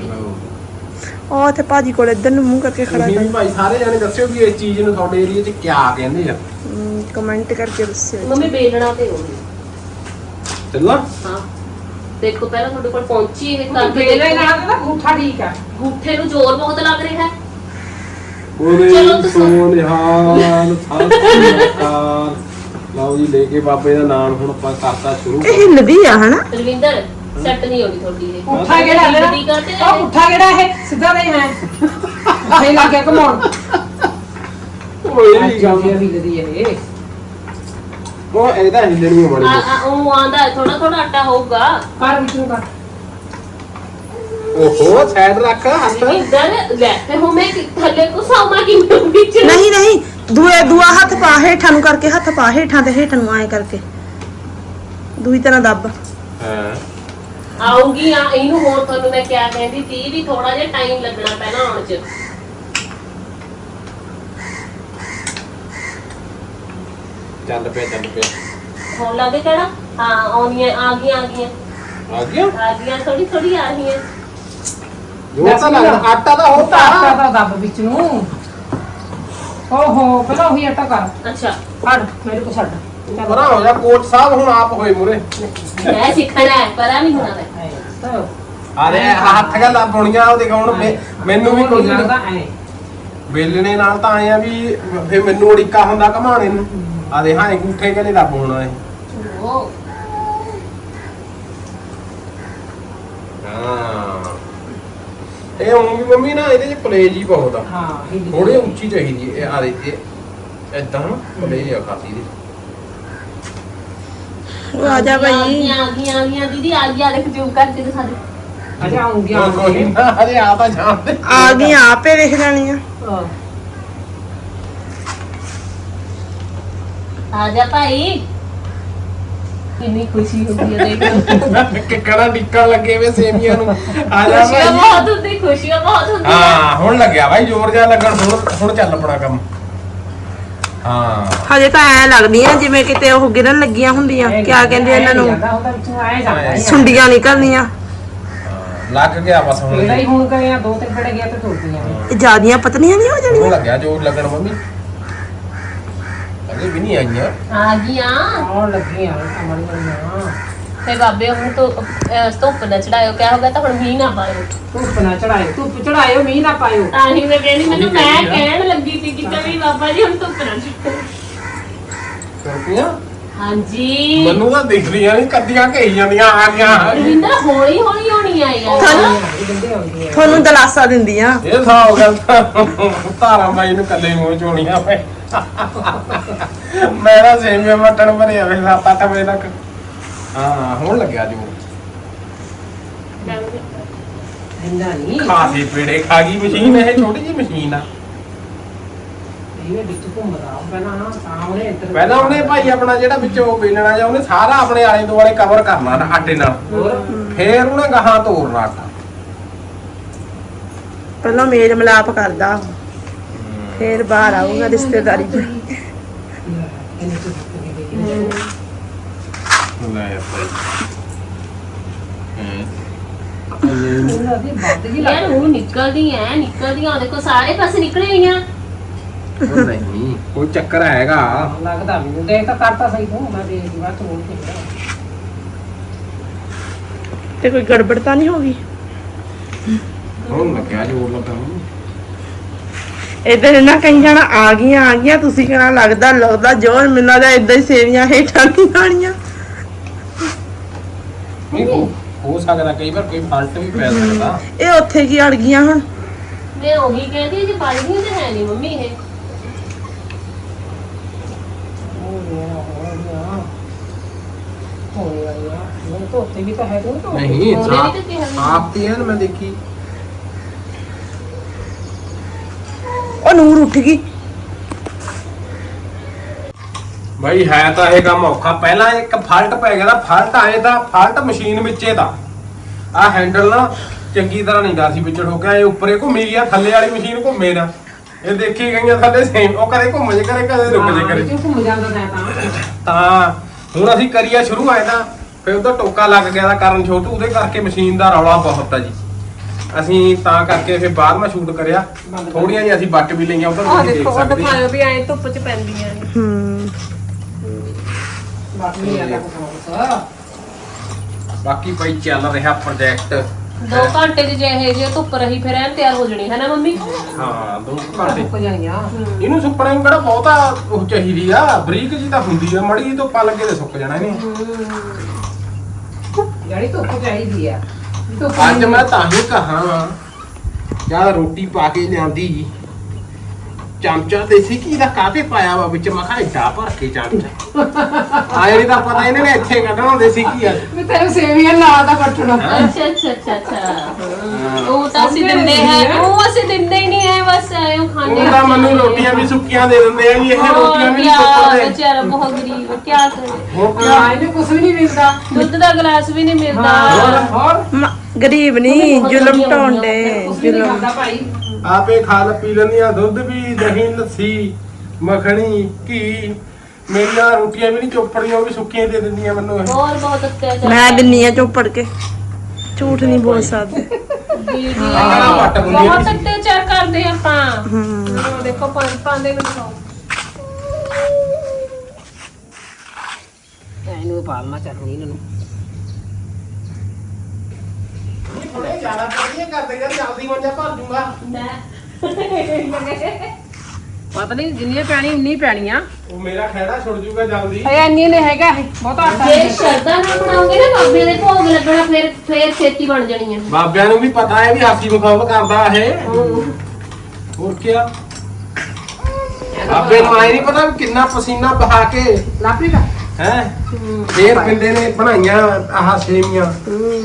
ओ थे भाजी को इधर नु मुंह करके खड़ा
ਤੁਸੀਂ ਵੀ
कर।
ਭਾਈ ਸਾਰੇ ਜਾਣੇ ਦੱਸਿਓ ਵੀ ਇਸ ਚੀਜ਼ ਨੂੰ ਤੁਹਾਡੇ ਏਰੀਆ 'ਚ ਕਿਆ ਕਹਿੰਦੇ ਆ।
कमेंट करके दस्सियो।
ਮੰਮੀ ਬੇਲਣਾ ਤੇ ਹੋਣੀ।
ਚੱਲਾਂ
ਹਾਂ ਦੇਖੋ ਪਹਿਲਾਂ ਤੁਹਾਡੇ ਕੋਲ ਪਹੁੰਚੀ ਇਹ ਕਰਕੇ
ਪਹਿਲਾਂ ਹੀ ਨਾਲ ਤਾਂ ਗੂਠਾ ਠੀਕ ਆ।
ਗੂਠੇ ਨੂੰ ਜ਼ੋਰ ਬਹੁਤ ਲੱਗ ਰਿਹਾ ਹੈ।
ਉਹਦੇ
ਚਲੋ ਤੁਸੀਂ-
ਸੋਨਿਹਾਲ ਸਤਿਕਾਰ ਲਓ ਜੀ ਲੈ ਕੇ ਬਾਬੇ ਦਾ ਨਾਮ ਹੁਣ ਆਪਾਂ ਕਰਤਾ ਸ਼ੁਰੂ।
ए हिलदी है है ना?
ਰਵਿੰਦਰ ਸੈੱਟ ਨਹੀਂ ਹੋਣੀ ਤੁਹਾਡੀ ਇਹ।
ਗੂਠਾ ਕਿਹੜਾ ਲੈਣਾ?
ਦੀ ਕਰਦੇ
ਉਹ ਗੂਠਾ ਕਿਹੜਾ ਇਹ ਸਿੱਧਾ ਨਹੀਂ ਹੈ ਆਹੇ ਲੱਗੇ ਘਮਾਉਣ।
ਕੋਈ
ਅੱਜ
ਨਹੀਂ
ਆਉਂਦੀ ਹਿੱਲਦੀ ਇਹ
ਉਹ ਇਹਦਾ ਹਿੱਲਣੀ
ਆ
ਬੜੀ
ਆ ਉਹ ਆਂਦਾ ਥੋੜਾ ਥੋੜਾ ਆਟਾ ਹੋਊਗਾ
ਕਰ ਵਿੱਚ ਨੂੰ ਕਰ
ਓਹੋ ਸਾਈਡ ਰੱਖ ਹੱਥ
ਇੱਧਰ ਲੈ ਤੇ ਹੁਣ ਮੈਂ ਕਿ- ਥੱਲੇ ਕੋ ਸਾਮਾ ਕਿ ਵਿੱਚ
ਨਹੀਂ ਨਹੀਂ ਦੂਏ ਦੂਆ ਹੱਥ ਪਾ ਹੇਠਾਂ ਨੂੰ ਕਰਕੇ ਹੱਥ ਪਾ ਹੇਠਾਂ ਤੇ ਹੇਠਾਂ ਨੂੰ ਐ ਕਰਕੇ ਦੂਈ ਤਰ੍ਹਾਂ ਦੱਬ
ਹਾਂ
ਆਉਂਗੀ ਆ ਇਹਨੂੰ ਹੋਰ ਤੁਹਾਨੂੰ ਮੈਂ ਕਿਆ ਕਹਿੰਦੀ ਸੀ ਵੀ ਥੋੜਾ ਜਿਹਾ ਟਾਈਮ ਲੱਗਣਾ ਪੈਣਾ ਆਉਣ ਚ
ਚੱਲ ਪਿਆ ਚੱਲ ਪਿਆ
ਹੁਣ ਲੱਗੇ ਕਿਹੜਾ ਹਾਂ ਆਉਣੀਆਂ ਆ ਗਈਆਂ ਆ ਗਈਆਂ
ਆ ਗਿਆ
ਆ ਗਈਆਂ ਥੋੜੀ ਥੋੜੀ ਆ ਰਹੀਆਂ
ਜੋ ਤਾਂ ਲੱਗਦਾ ਆਟਾ ਤਾਂ
ਉਹ ਤਾਂ ਆਟਾ
ਹੋਤਾ
ਤਾਂ ਦੱਬ ਵਿੱਚ ਨੂੰ ਓਹੋ ਪਹਿਲਾਂ ਉਹੀ ਆਟਾ ਕਰ
ਅੱਛਾ
ਫੜ ਮੇਰੇ ਕੋ ਛੱਡ
ਪਰਾਂ ਹੋ ਜਾ ਕੋਚ ਸਾਹਿਬ ਹੁਣ ਆਪ ਹੋਏ ਮੁਰੇ
ਮੈਂ ਸਿੱਖਣਾ ਹੈ ਪਤਾ ਨਹੀਂ ਹੋਣਾ ਮੈਂ
ਤਾਂ
ਆਰੇ ਹੱਥ ਗੱਲਾਂ ਬੁਣੀਆਂ ਉਹ ਦਿਖਾਉਣ ਮੈ- ਮੈਨੂੰ ਵੀ ਕੋਈ
ਲੱਗਦਾ ਐ
ਵੇਲਣੇ ਨਾਲ ਤਾਂ ਆਏ ਆ ਵੀ ਫੇ ਮੈਨੂੰ ਅੜਿੱਕਾ ਹੁੰਦਾ ਘਮਾਣੇ ਨੂੰ ਆਦੇ ਹਾਂ ਅੰਗੂਠੇ ਕਲੇ ਦਾ ਬੋਣਾ ਹੈ
ਉਹ
ਹਾਂ ਇਹ ਹੁਣ ਵੀ ਮੰਮੀ ਨਾ ਇਹਦੇ ਚ ਪਲੇਜ ਹੀ ਬਹੁਤ ਆ
ਹਾਂ ਹਿੱਲ
ਥੋੜੀ ਉੱਚੀ ਚਾਹੀਦੀ ਹੈ ਇਹ ਆਦੇ ਇਹ ਇਦਾਂ ਪਲੇਜ ਆ ਖਾਸੀ ਦੀ
ਉਹ ਆ ਜਾ
ਆ
ਭਾਈ
ਗਈਆਂ ਆ ਗਈਆਂ ਆ ਗਈਆਂ ਦੀਦੀ ਆ ਗਿਆ ਦੇਖ ਜੂਮ ਕਰਕੇ ਦਿਖਾ ਦੇ
ਅਜਾ ਆਉਂਗੀ
ਕੋਈ
ਆਉਂਗੀ
ਨਾ ਅਰੇ ਆ ਤਾਂ ਜਾਣਦੇ
ਆ ਗਈ ਆਪੇ ਦੇਖ ਜਾਣੀਆਂ
ਆ ਜਾ ਭਾਈ ਕਿੰਨੀ ਖੁਸ਼ੀ ਹੁੰਦੀ ਹੈ ਦੇਖ
ਕਿੱਕੜਾ ਡਿੱਕਾ ਲੱਗੇ ਵੇ ਸੇਮੀਆਂ ਨੂੰ ਆ ਜਾ
ਖੁਸ਼ੀਆਂ
ਭਾਈ
ਬਹੁਤ ਹੁੰਦੀ ਖੁਸ਼ੀਆਂ ਬਹੁਤ ਹੁੰਦੀਆਂ
ਹਾਂ ਹੁਣ ਲੱਗਿਆ ਭਾਈ ਜ਼ੋਰ ਜਿਹਾ ਲੱਗਣ ਹੁਣ ਹੁਣ ਚੱਲ ਪੜਾ ਕੰਮ ਹਾਂ
ਹਜੇ ਤਾਂ ਐ ਲੱਗਦੀਆਂ ਜਿਵੇਂ ਕਿਤੇ ਉਹ ਗਿਰਨ ਲੱਗੀਆਂ ਹੁੰਦੀਆਂ ਕਿਆ ਕਹਿੰਦੇ ਇਹਨਾਂ ਨੂੰ
ਜਾਂਦਾ ਹੁੰਦਾ ਵਿੱਚ ਨੂੰ ਆਏ ਜਾਂਦਾ
ਸੁੰਡੀਆਂ ਨਿਕਲਦੀਆਂ
ਲੱਗ ਗਿਆ ਬਸ ਹੁਣ
ਕਿਹੜਾ ਹੀ ਹੁਣ ਗਏ ਆ ਦੋ ਤਿੰਨ ਫੜੇ ਗਿਆ ਤੇ ਟੁੱਟੀਆਂ
ਇਹ ਜਿਆਦੀਆਂ ਪਤਲੀਆਂ ਨਹੀਂ ਹੋ
ਹੁਣ
ਜਾਣੀਆਂ
ਲੱਗਿਆ ਜ਼ੋਰ ਲੱਗਣ ਮੰਮੀ ਅਜੇ ਵੀ ਨਹੀਂ ਆਈਆਂ
ਆ ਗਈਆਂ
ਆਉਣ ਲੱਗੀਆਂ ਅਮਰ ਬਣੀਆਂ
ਤੇ ਬਾਬੇ ਹੁਣ ਤੋਂ ਅਹ, ਧੁੱਪ ਨਾ ਚੜਾਇਓ ਕਿਆ ਹੋ ਗਿਆ ਤਾਂ ਹੁਣ ਮੀਂਹ ਨਾ ਪਾਇਓ
ਧੁੱਪ ਨਾ ਚੜਾਇਓ ਧੁੱਪ ਚੜਾਇਓ ਮੀਂਹ ਨਾ ਪਾਇਓ
ਤਾਂ ਹੀ ਮੈਂ ਕਹਿੰਦੀ ਮੈਨੂੰ
ਉਹੀ
ਮੈਂ
ਕਹਿੰਦੀ ਆ।
ਕਹਿਣ ਲੱਗੀ ਸੀ ਕਿ ਕਵੀ ਬਾਬਾ ਜੀ ਹੁਣ ਧੁੱਪ ਨਾ ਚੜਾਇਓ
ਕਰਪੀਆਂ
ਹਾਂਜੀ
ਮੈਨੂੰ ਤਾਂ ਦਿਖ ਰਹੀਆਂ ਨਹੀਂ ਕੱਦੀਆਂ ਘਈ ਜਾਂਦੀਆਂ ਆ ਗਈਆਂ
ਰਵਿੰਦਰ ਹੌਲੀ ਹੌਲੀ ਹੋਣੀ ਆਈ ਆ
ਗੰਦੇ ਆਉਂਦੀਆਂ
ਤੁਹਾਨੂੰ ਦਲਾਸਾ ਦਿੰਦੀਆਂ
ਇਹ ਥਾਂ ਹੋ ਗਿਆ ਤਾਰਾ ਬਾਈ ਨੂੰ ਕੱਲੇ ਮੂੰਹ ਚੋਣੀਆਂ ਪਏ ਮੇਰਾ ਸੇਮੀਆਂ ਮਟਣ ਭਰਿਆ ਵੇ ਸੱਤ ਅੱਠ ਵਜੇ ਤੱਕ ਹਾਂ ਹੁਣ ਲੱਗਿਆ ਜੋ
ਇੰਨਾ ਨਹੀਂ
ਖਾਸੀ ਪੇੜੇ ਖਾ ਗਈ ਮਸ਼ੀਨ ਇਹ ਛੋਟੀ ਜਿਹੀ ਮਸ਼ੀਨ ਆ
ਇਹ ਵਿੱਚ ਘੁੰਮਦਾ ਪਹਿਲਾਂ ਨਾ ਸਾਹਮਣੇ ਇੱਧਰ
ਪਹਿਲਾਂ ਉਹਨੇ ਭਾਈ ਆਪਣਾ ਜਿਹੜਾ ਵਿੱਚੋਂ ਵੇਲਣਾ ਜਾਂ ਉਹਨੇ ਸਾਰਾ ਆਪਣੇ ਆਲੇ ਦੁਆਲੇ ਕਵਰ ਕਰਨਾ ਨਾ ਆਟੇ ਨਾਲ
ਹੋਰ
ਫੇਰ ਉਹਨੇ ਗਾਹਾਂ ਤੋੜਨਾ ਆਟਾ
ਪਹਿਲਾਂ ਮੇਲ ਮਿਲਾਪ ਕਰਦਾ ਫੇਰ ਬਾਹਰ ਆਊਗਾ ਰਿਸ਼ਤੇਦਾਰੀ ਚ
ਇਹਨੇ ਚੁੱਪ
ਲੈ ਭਾਈ
ਉਹਨਾਂ ਦੀ ਵੱਧ ਜੀ
ਯਾਰ
ਲੱਗ
ਉਹ ਨਿਕਲਦੀ ਐ ਨਿਕਲਦੀਆਂ ਦੇਖੋ ਸਾਰੇ ਪਾਸੇ ਨਿਕਲੇ ਹੋਈਆਂ
ਉਹ ਨਹੀਂ ਕੋਈ ਚੱਕਰ ਹੈਗਾ
ਲੱਗਦਾ ਮੈਨੂੰ ਦੇਖ ਤਾਂ ਕਰਤਾ ਸਹੀ ਤੂੰ ਮੈਂ ਦੇਖ ਦੀ ਬਾਤ ਹੋਰ ਕਿਹੜਾ
ਤੇ ਕੋਈ ਗੜਬੜ ਤਾਂ ਨਹੀਂ ਹੋ ਗਈ
ਹੁਣ ਲੱਗਿਆ ਜੋਰ ਲੱਗਾ ਉਹਨੂੰ।
ਇਧਰ ਇਹਨਾਂ ਕਹੀ ਜਾਣਾ ਆ ਗਈਆਂ ਆ ਗਈਆਂ ਤੁਸੀਂ ਕਹਿਣਾ ਲੱਗਦਾ ਲੱਗਦਾ ਜੋਰ ਮਿਲਣਾ ਜਾਂ ਇਦਾਂ ਹੀ ਸੇਵੀਆਂ ਹੇਠਾਂ ਨਹੀਂ ਆਣੀਆਂ
ਨਹੀਂ ਹੋ ਹੋ ਸਕਦਾ ਕਈ ਵਾਰ ਕੋਈ ਫਾਲਟ ਵੀ ਪੈ ਸਕਦਾ
ਇਹ ਉੱਥੇ ਕੀ ਅੜ ਗਈਆਂ ਹੁਣ
ਮੈਂ ਉਹੀ ਕਹਿੰਦੀ ਜੇ ਬਣਦੀਆਂ ਤੇ ਹੈ ਨਹੀਂ ਮੰਮੀ ਇਹ
ਹੋ ਗਿਆ ਹੋ ਗਿਆ ਹੋ ਗਿਆ ਉਹ ਤਾਂ ਉੱਤੇ ਵੀ ਤਾਂ ਹੈ ਤੂੰ ਤਾਂ
ਨਹੀਂ
ਉਹਨੇ ਵੀ ਤਾਂ ਕਿਹਾ ਸੀ।
ਆਪ ਤੇ ਹੈ ਨਾ ਮੈਂ ਦੇਖੀ
ਉਹ ਨੂਰ ਉੱਠ ਗਈ
ਭਾਈ ਹੈ ਤਾਂ ਇਹ ਕੰਮ ਔਖਾ ਪਹਿਲਾਂ ਇੱਕ ਫਾਲਟ ਪੈ ਗਿਆ ਨਾ ਫਾਲਟ ਆਏ ਤਾਂ ਫਾਲਟ ਮਸ਼ੀਨ ਵਿੱਚੇ ਦਾ ਆ ਹੈਂਡਲ ਨਾ ਚੰਗੀ ਤਰ੍ਹਾਂ ਨਹੀਂ ਗਾ ਸੀ ਵਿਚੜ ਹੋ ਗਿਆ ਇਹ ਉੱਪਰੇ ਘੁੰਮੀ ਗਿਆ ਥੱਲੇ ਵਾਲੀ ਮਸ਼ੀਨ ਘੁੰਮੇ ਨਾ ਇਹ ਦੇਖੀ ਗਈਆਂ ਥੱਲੇ ਸੇਮ ਉਹ ਕਦੇ ਘੁੰਮ ਜੇ ਕਰੇ ਕਦੇ ਰੁਕ ਜੇ ਕਰੇ
ਕਿਉਂ ਘੁੰਮ ਜਾਂਦਾ ਤੈਂ ਤਾਂ
ਤਾਂ ਹੁਣ ਅਸੀਂ ਕਰੀਆ ਸ਼ੁਰੂ ਆਏ ਤਾਂ ਫਿਰ ਉਹਦਾ ਟੋਕਾ ਲੱਗ ਗਿਆ ਦਾ ਕਾਰਨ ਛੋਟੂ ਉਹਦੇ ਕਰਕੇ ਮਸ਼ੀਨ ਦਾ ਰੌਲਾ ਬਹੁਤ ਆ ਜੀ ਅਸੀਂ ਤਾਂ ਕਰਕੇ ਫਿਰ ਬਾਅਦ ਮੈਂ ਸ਼ੂਟ ਕਰਿਆ ਥੋੜੀਆਂ ਜਿਹੀਆਂ ਅਸੀਂ ਬੱਟ ਵੀ ਲਈਆਂ ਉਧਰ
ਆਹ
ਤੁਸੀਂ ਦੇਖ
ਦੇਖੋ ਉਹ
ਸਕਦੇ
ਦਿਖਾਇਓ ਵੀ ਐ ਧੁੱਪ ਚ ਪੈਂਦੀਆਂ ਨੇ
ਹੂੰ
ਬਾਤ ਨਹੀਂ ਆਦਾ ਕੁਛ
ਬਾਕੀ ਭਾਈ ਚੱਲ ਰਿਹਾ ਪ੍ਰੋਜੈਕਟ
ਦੋ ਘੰਟੇ ਦੀ ਜਿਹੇ ਜੇ ਧੁੱਪ ਰਹੀ ਫਿਰ ਐਨ ਤਿਆਰ ਹੋ ਜਣੀ ਹੈ ਨਾ ਮੰਮੀ
ਹਾਂ ਦੋ ਘੰਟੇ
ਸੁੱਕ ਜਾਣੀਆਂ
ਇਹਨੂੰ ਸੁੱਕਣੇ ਨੂੰ ਕਿਹੜਾ ਬਹੁਤਾ ਉਹ ਚਾਹੀਦੀ ਆ ਬਰੀਕ ਜੀ ਤਾਂ ਹੁੰਦੀ ਆ ਮੜੀ ਤੋਂ ਪਾ ਲੱਗੇ ਤੇ ਸੁੱਕ ਜਾਣਾ ਇਹਨੇ
ਜਿਹੜੀ ਧੁੱਪ ਚਾਹੀਦੀ ਆ ਧੁੱਪ
ਅੱਜ ਮੈਂ ਤਾਂ ਹੀ ਕਹਾਂ ਜਾਂ ਰੋਟੀ ਪਾ ਕੇ ਲਿਆਂਦੀ ਚਮਚਾ ਦੇਸੀ ਘੀ ਦਾ ਕਾਹਤੇ ਪਾਇਆ ਵਾ ਵਿੱਚ ਮੈਂ ਕਿਹਾ ਏਡਾ ਭਰ ਕੇ ਚਮਚਾ ਆਏ ਨਹੀਂ ਤਾਂ ਪਤਾ ਇਹਨਾਂ ਨੇ ਇੱਥੇ ਕੱਢਣਾ ਦੇਸੀ ਘੀ ਆ
ਮੈਂ ਤੈਨੂੰ ਸੇਵੀਆਂ ਲਾ ਦਾ ਪੱਟਣਾ
ਅੱਛਾ ਅੱਛਾ ਅੱਛਾ ਅੱਛਾ ਉਹ ਤਾਂ ਅਸੀਂ ਦਿੰਦੇ ਹੈ ਉਹ ਅਸੀਂ ਦਿੰਦੇ ਹੀ ਨਹੀਂ ਹੈ ਬਸ ਐਂ ਖਾਂਦੇ
ਉਹ ਤਾਂ ਮੈਨੂੰ ਰੋਟੀਆਂ ਵੀ ਸੁੱਕੀਆਂ ਦੇ ਦਿੰਦੇ ਆ ਜੀ ਇਹ ਰੋਟੀਆਂ ਵੀ ਨਹੀਂ ਸੁੱਕਦੇ
ਵਿਚਾਰਾ ਬਹੁਤ ਗਰੀਬ ਹੈ ਕੀ ਕਰੇ
ਹੋਰ ਕੀ
ਹਾਂ ਇਹਨੂੰ ਕੁਝ ਵੀ ਨਹੀਂ ਮਿਲਦਾ
ਦੁੱਧ ਦਾ ਗਲਾਸ ਵੀ ਨਹੀਂ ਮਿਲਦਾ
ਹੋਰ
ਮ- ਗਰੀਬ ਨਹੀਂ ਜ਼ੁਲਮ ਢਾਉਂਦੇ
ਕੁਝ ਵੀ ਨਹੀਂ
ਜ਼ੁਲਮ
ਖਾਂਦਾ ਭਾਈ
ਆਪੇ ਖਾ ਲ ਪੀ ਲੈਂਦੀਆਂ ਦੁੱਧ ਵੀ ਦਹੀਂ ਲੱਸੀ ਮੱਖਣੀ ਘੀ ਮੇਰੀਆਂ ਰੋਟੀਆਂ ਵੀ ਨਹੀਂ ਚੋਪੜੀਆਂ ਉਹ ਵੀ ਸੁੱਕੀਆਂ ਦੇ ਦਿੰਦੀਆਂ ਮੈਨੂੰ ਇਹ
ਹੋਰ ਬਹੁਤ ਅਤਿਆਚਾਰ
ਮੈਂ ਦਿੰਨੀ ਆ ਚੋਪੜ ਕੇ ਝੂਠ ਨਹੀਂ ਬੋਲ ਸਕਦੇ
ਦੀਦੀ
ਆਹ ਵੱਟ ਹੁੰਦੀ
ਬਹੁਤ
ਆ
ਅਤਿਆਚਾਰ ਕਰਦੇ ਆਪਾਂ
ਹਮ
ਆਹ ਦੇਖੋ ਪੰਜ ਪਾਉਂਦੇ ਨੂੰ ਖਾਓ
ਇਹਨੂੰ ਪਾਲਣਾ ਚਟਨੀ ਇਹਨਾਂ ਨੂੰ
ਥੋੜੇ ਜ਼ਿਆਦਾ ਪੜੀਆਂ ਕਰਦੇ ਯਾਰ ਜਲਦੀ ਮੰਜਾ ਭਰ ਦੂੰਗਾ
ਪਤਾ ਨਹੀਂ ਜਿੰਨੀਆਂ ਪੈਣੀ ਉਨੀ ਪੈਣੀਆਂ
ਉਹ ਮੇਰਾ ਖਹਿੜਾ ਛੁੱਟ ਜੂਗਾ ਜਲਦੀ
ਇਹ ਇੰਨੀ ਨੇ ਹੈਗਾ ਇਹ ਬਹੁਤ ਆਟਾ
ਜੇ ਸ਼ਰਦਾ ਨਾਲ ਬਣਾਓਗੇ ਨਾ ਬਾਬੇ ਦੇ ਭੋਗ ਲੱਗਣਾ ਫਿਰ ਫਿਰ ਛੇਤੀ ਬਣ ਜਾਣੀ ਹੈ
ਬਾਬਿਆਂ ਨੂੰ ਵੀ ਪਤਾ ਹੈ ਵੀ ਹਾਸੀ ਮਖੌਲ ਕਰਦਾ ਇਹ ਹੋਰ ਕੀ ਬਾਬੇ ਨੂੰ ਆਏ ਨਹੀਂ ਪਤਾ ਵੀ ਕਿੰਨਾ ਪਸੀਨਾ ਬਹਾ ਕੇ
ਲਾਪੀ ਦਾ
ਹੈ ਫੇਰ ਪਿੰਦੇ ਨੇ ਬਣਾਈਆਂ ਆਹ ਸੇਮੀਆਂ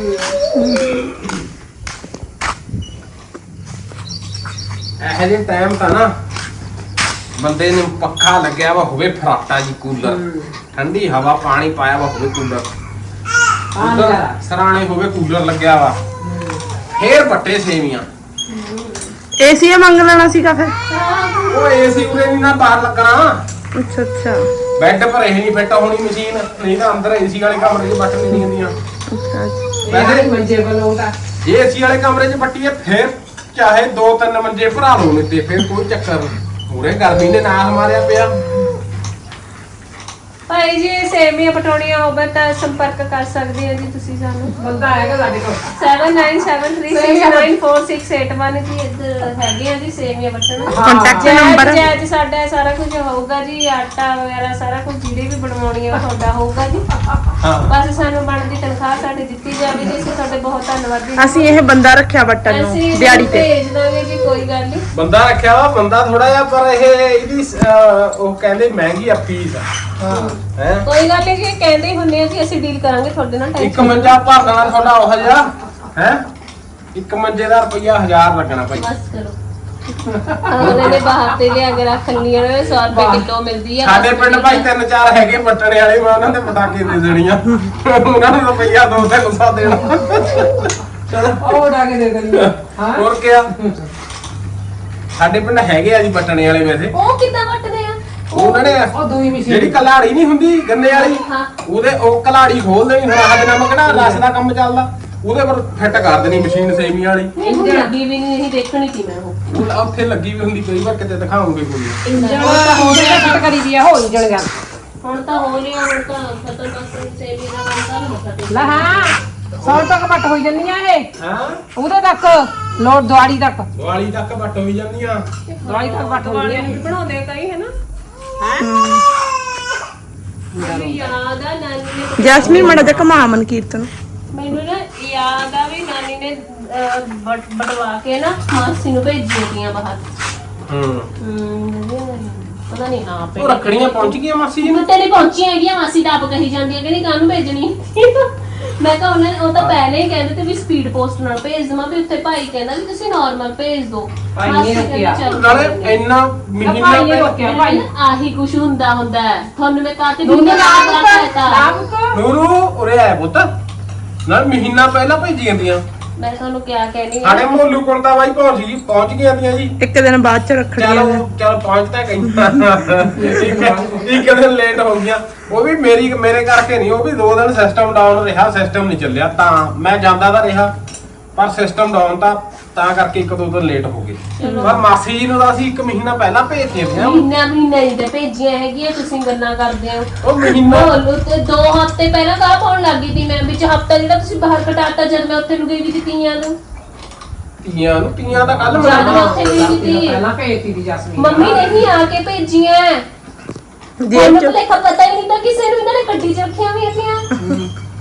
ਇਹ ਜੇ ਟਾਈਮ ਤਾਂ ਨਾ ਬੰਦੇ ਨੂੰ ਪੱਖਾ ਲੱਗਿਆ ਵਾ ਹੋਵੇ ਫਰਾਟਾ ਜੀ ਕੂਲਰ ਠੰਡੀ ਹਵਾ ਪਾਣੀ ਪਾਇਆ ਵਾ ਹੋਵੇ ਕੂਲਰ ਕੂਲਰ ਸਰਾਣੇ ਹੋਵੇ ਕੂਲਰ ਲੱਗਿਆ ਵਾ ਫੇਰ ਵੱਟੇ ਸੇਮੀਆਂ
ਏਸੀ ਮੰਗ ਲੈਣਾ ਸੀਗਾ ਫਿਰ
ਉਹ ਏਸੀ ਉਰੇ ਨਹੀਂ ਨਾ ਬਾਹਰ ਲੱਗਣਾ
ਅੱਛਾ ਅੱਛਾ
ਬੈੱਡ ਪਰ ਇਹ ਨਹੀਂ ਫਿੱਟ ਹੋਣੀ ਮਸ਼ੀਨ ਨਹੀਂ ਤਾਂ ਅੰਦਰ ਏਸੀ ਵਾਲੇ ਕਮਰੇ 'ਚ ਬੱਟ ਨਹੀਂ ਹੁੰਦੀਆਂ
ਅੱਛਾ
ਵੈਸੇ
ਮੰਜੇ ਬਲੋਦਾ
ਜੇ ਏਸੀ ਵਾਲੇ ਕਮਰੇ 'ਚ ਬੱਟੀਏ ਫੇਰ ਚਾਹੇ ਦੋ ਤਿੰਨ ਮੰਜੇ ਭਰਾ ਲਓ ਨੇ ਤੇ ਫੇਰ ਕੋਈ ਚੱਕਰ ਨਹੀਂ ਪੂਰੇ ਗਰਮੀ ਨੇ ਨਾਲ ਮਾਰਿਆ ਪਿਆ
ਭਾਈ ਜੀ ਸੇਮੀਆਂ ਪਟਾਉਣੀਆਂ ਹੋਵੇ ਤਾਂ ਸੰਪਰਕ ਕਰ ਸਕਦੇ ਹੋ ਜੀ ਤੁਸੀਂ ਸਾਨੂੰ
ਬੰਦਾ ਆਏਗਾ ਸਾਡੇ ਕੋਲ
seven nine seven three six nine four six eight one ਜੀ ਇੱਧਰ ਹੈਗੇ ਆ ਜੀ ਸੇਮੀਆਂ ਬਟਨ
ਕੰਟੈਕਟ ਨੰਬਰ
ਜੈ ਜੀ ਸਾਡਾ ਸਾਰਾ ਕੁਝ ਹੋਊਗਾ ਜੀ ਆਟਾ ਵਗੈਰਾ ਸਾਰਾ ਕੁਝ ਜਿਹੜੇ ਵੀ ਬਣਵਾਉਣੀ ਆ ਤੁਹਾਡਾ ਹੋਊਗਾ ਜੀ
ਹਾਂ
ਬਸ ਸਾਨੂੰ ਬਣਦੀ ਤਨਖਾਹ ਸਾਡੀ ਦਿੱਤੀ ਜਾਵੇ ਜੀ ਅਸੀਂ ਤੁਹਾਡੇ ਬਹੁਤ ਧੰਨਵਾਦੀ
ਅਸੀਂ ਇਹ ਬੰਦਾ ਰੱਖਿਆ ਬੱਟਨ
ਅਸੀਂ
ਨੂੰ ਦਿਹਾੜੀ ਤੇ
ਭੇਜ ਦਾਂਗੇ ਜੀ ਕੋਈ ਗੱਲ ਨਹੀਂ
ਬੰਦਾ ਰੱਖਿਆ ਵਾ ਬੰਦਾ ਥੋੜਾ ਜਿਹਾ ਪਰ ਇਹ ਇਹਦੀ ਅਹ, ਉਹ ਕਹਿੰਦੇ ਮਹਿੰਗੀ ਆ ਫੀਸ ਆ ਹੈ
ਕੋਈ ਗੱਲ ਨਹੀਂ ਜੀ ਕਹਿੰਦੇ ਹੀ ਹੁੰਦੇ ਆ ਜੀ ਅਸੀਂ ਡੀਲ ਕਰਾਂਗੇ ਤੁਹਾਡੇ ਨਾਲ
ਇੱਕ
ਟੈਨਸ਼ਨ
ਮੰਜਾ ਭਰ ਦੇਣਾ ਤੁਹਾਡਾ ਉਹ ਜਿਹਾ ਹੈ ਇੱਕ ਮੰਜੇ ਦਾ ਰੁਪਈਆ ਹਜ਼ਾਰ ਲੱਗਣਾ ਭਾਈ
ਬਸ ਕਰੋ ਉਹਨਾਂ ਨੇ ਬਾਹਰ ਤੇ ਲਿਆ ਕੇ ਰੱਖ ਲਿਆ ਨੇ ਸੌ ਰੁਪਏ ਕਿਲੋ ਮਿਲਦੀ ਆ
ਸਾਡੇ ਪਿੰਡ ਭਾਈ ਤਿੰਨ ਚਾਰ ਹੈਗੇ ਪੱਟਣੇ ਵਾਲੇ ਮੈਂ ਉਹਨਾਂ ਦੇ ਪਟਾਕੇ ਦੇ ਦੇਣੀਆਂ ਉਹਨਾਂ ਨੂੰ ਰੁਪਈਆ ਦੋ ਤਿੰਨ ਸੌ ਦੇਣਾ ਚਲੋ
ਉਹ ਡਾ ਕੇ ਦੇ ਦੇਣੀ ਹਾਂ
ਹੋਰ ਕਿਆ ਸਾਡੇ ਪਿੰਡ ਹੈਗੇ ਆ ਜੀ ਪੱਟਣੇ ਵਾਲੇ ਵੈਸੇ
ਉਹ ਕਿੱਦਾਂ ਵੱਟਦੇ ਆ
ਉਹਨਾਂ ਨੇ
ਉਹ ਦੂਈ ਮਸ਼ੀਨ
ਜਿਹੜੀ ਕਲਾੜੀ ਨਹੀਂ ਹੁੰਦੀ ਗੰਨੇ ਵਾਲੀ
ਹਾਂ
ਉਹਦੇ ਉਹ ਕਲਾੜੀ ਖੋਲ ਦੇਣੀ ਹੁਣ ਆਹ ਦਿਨਾਂ ਮਗਣਾ ਰਸ ਦਾ ਕੰਮ ਚੱਲਦਾ ਉਹਦੇ ਪਰ ਫਿੱਟ ਕਰ ਦੇਣੀ ਮਸ਼ੀਨ ਸੇਮੀਆਂ ਵਾਲੀ
ਨਹੀਂ ਹੁਣ ਲੱਗੀ ਵੀ ਨਹੀਂ ਇਹ ਦੇਖਣੀ ਸੀ ਮੈਂ ਉਹ
ਉਹ ਉੱਥੇ ਲੱਗੀ ਵੀ ਹੁੰਦੀ ਕਈ ਵਾਰ ਕਿਤੇ ਦਿਖਾਉਂਗੇ ਕੋਈ
ਇੰਜਣ ਤਾਂ ਹੋ ਗਿਆ ਕੱਟ ਕਰੀ ਦੀ ਆ ਹੋ ਇੰਜਣ ਗਿਆ
ਹੁਣ ਤਾਂ ਹੋ ਲਿਆ ਹੁਣ ਤਾਂ ਖਤਮ ਬਸ ਸੇਮੀ ਦਾ ਕੰਮ ਤਾਂ ਨਹੀਂ ਪਤਾ
ਲੈ ਹਾਂ ਸੌ ਤੱਕ ਵੱਟ ਹੋਈ ਜੰਨੀਆਂ ਇਹ
ਹਾਂ
ਉਹਦੇ ਤੱਕ ਲੋੜ ਦਵਾੜੀ ਤੱਕ
ਦਿਵਾਲੀ ਤੱਕ ਵੱਟ ਹੋਈ ਜਾਂਦੀਆਂ
ਦਵਾੜੀ ਤੱਕ ਵੱਟ ਹੋਈ
ਵੀ ਬਣਾਉਂਦੇ ਕਈ ਹੈ ਨਾ ਮੈਨੂੰ ਯਾਦ ਆ ਨਾਨੀ ਨੇ
ਜੈਸਮੀਨ ਮੜਾ ਜਾ ਕਮਾ ਅਮਨ ਕੀਰਤਨ
ਮੈਨੂੰ ਨਾ ਯਾਦ ਆ ਵੀ ਨਾਨੀ ਨੇ ਅਹ, ਬਟ- ਬਟਵਾ ਕੇ ਨਾ ਮਾਸੀ ਨੂੰ ਭੇਜੀਆਂ ਤੀਆਂ ਬਾਹਰ
ਹੂੰ
ਹਮ, ਪਤਾ ਨਹੀਂ ਹਾਂ
ਉਹ ਰੱਖੜੀਆਂ ਪਹੁੰਚ ਗਈਆਂ ਮਾਸੀ ਜੀ ਨੂੰ
ਤੇ ਨਹੀਂ ਪਹੁੰਚੀਆਂ ਹੈਗੀਆਂ ਮਾਸੀ ਤਾਂ ਆਪ ਕਹੀ ਜਾਂਦੀ ਹੈ ਕਿ ਨਹੀਂ ਕਾਹਨੂੰ ਭੇਜਣੀ ਮੈਂ ਕਿਹਾ ਉਹਨੇ ਉਹ ਤਾਂ ਪਹਿਲੇ ਹੀ ਕਹਿੰਦੇ ਤੇ ਵੀ ਸਪੀਡ ਪੋਸਟ ਨਾਲ ਭੇਜ ਦਵਾਂ ਵੀ ਉੱਥੇ ਭਾਈ ਕਹਿੰਦਾ ਵੀ ਤੁਸੀਂ ਨਾਰਮਲ ਭੇਜ ਦਿਓ
ਭਾਈ ਨੇ
ਮਾਸੀ ਕਹਿੰਦੀ
ਕਿਹਾ।
ਚੱਲ
ਨਾਲੇ
ਕੋਈ
ਇੰਨਾ ਮਹੀਨਾ
ਭਾਈ ਨੇ
ਪਹਿਲਾਂ
ਰੋਕਿਆ ਭਾਈ
ਆਹੀ ਕੁਛ ਹੁੰਦਾ ਹੁੰਦਾ ਹੈ। ਤੁਹਾਨੂੰ ਮੈਂ ਕਾਤੇ
ਦੁੱਧ
ਦੁਨੀਆ
ਲਾਭ
ਦਾ
ਕਰ
ਕਹਤਾ
ਲਾਭ ਕਰ
ਨੂਰੂ ਉਰੇ ਆਇਆ ਪੁੱਤ ਨਾਲ ਮਹੀਨਾ ਪਹਿਲਾਂ ਭੇਜੀ ਜਾਂਦੀਆਂ
ਮੈਂ ਤੁਹਾਨੂੰ ਕਿਆ ਕਹਿਣੀ
ਸਾਡੇ ਮੋਲੂ ਕੋਲ ਤਾਂ ਬਾਈ ਪਹੁੰਚ ਗਈ ਪਹੁੰਚ ਗਈਆਂ ਦੀਆਂ ਜੀ
ਇੱਕ ਦਿਨ ਬਾਅਦ ਚ ਰੱਖੜੀਆਂ ਨੇ।
ਚਲੋ ਚਲ ਪਹੁੰਚ ਤਾਂ ਗਈ ਇੱਕ ਇੱਕ ਦਿਨ ਲੇਟ ਹੋ ਗਿਆ ਉਹ ਵੀ ਮੇਰੀ ਮੇਰੇ ਕਰਕੇ ਨਹੀਂ ਉਹ ਵੀ ਦੋ ਦਿਨ ਸਿਸਟਮ ਡਾਊਨ ਰਿਹਾ ਸਿਸਟਮ ਨਹੀਂ ਚੱਲਿਆ ਤਾਂ ਮੈਂ ਜਾਂਦਾ ਤਾਂ ਰਿਹਾ ਪਰ ਸਿਸਟਮ ਡਾਊਨ ਤਾਂ ਤਾਂ ਕਰਕੇ ਇੱਕ ਦੋ ਦਿਨ ਲੇਟ ਹੋ ਗਏ ਪਰ ਮਾਸੀ ਜੀ ਨੂੰ ਤਾਂ ਅਸੀਂ ਇੱਕ ਮਹੀਨਾ ਪਹਿਲਾਂ ਭੇਜ ਦਿੱਤੇ ਆ
ਮਹੀਨਾ ਮਹੀਨਾ ਹੀ ਤੇ ਭੇਜੀਆਂ ਹੈਗੀਆਂ ਤੁਸੀਂ ਗੱਲਾਂ ਕਰਦੇ ਹੋ
ਉਹ ਮਹੀਨਾ
ਬੋਲੋ ਤੇ ਦੋ ਹਫ਼ਤੇ ਪਹਿਲਾਂ ਕਾਹ ਪਾਉਣ ਲੱਗੀ ਸੀ ਮੈਂ ਵਿੱਚ ਹਫ਼ਤਾ ਜਿਹੜਾ ਤੁਸੀਂ ਬਾਹਰ ਕਟਾਤਾ ਜਦ ਮੈਂ ਉੱਥੇ ਨੂੰ ਗਈ ਵੀ ਸੀ ਤੀਆਂ ਨੂੰ
ਤੀਆਂ ਨੂੰ ਤੀਆਂ ਦਾ ਕੱਲ
ਜਦ ਮੈਂ
ਮਨਾਉਣਾ
ਉੱਥੇ ਗਈ ਸੀ
ਪਹਿਲਾਂ ਭੇਜਤੀ ਦੀ ਜਸਮੀਨ
ਮੰਮੀ ਨੇ ਹੀ ਆ ਕੇ ਭੇਜੀਆਂ
ਜੇਬ
ਮੈਨੂੰ
ਚ
ਭੁਲੇਖਾ ਪਤਾ ਹੀ ਨਹੀਂ ਤਾਂ ਕਿਸੇ ਨੂੰ ਇਹਨਾਂ ਨੇ ਗੱਡੀ 'ਚ ਰੱਖੀਆਂ ਵੀ ਹੈਗੀਆਂ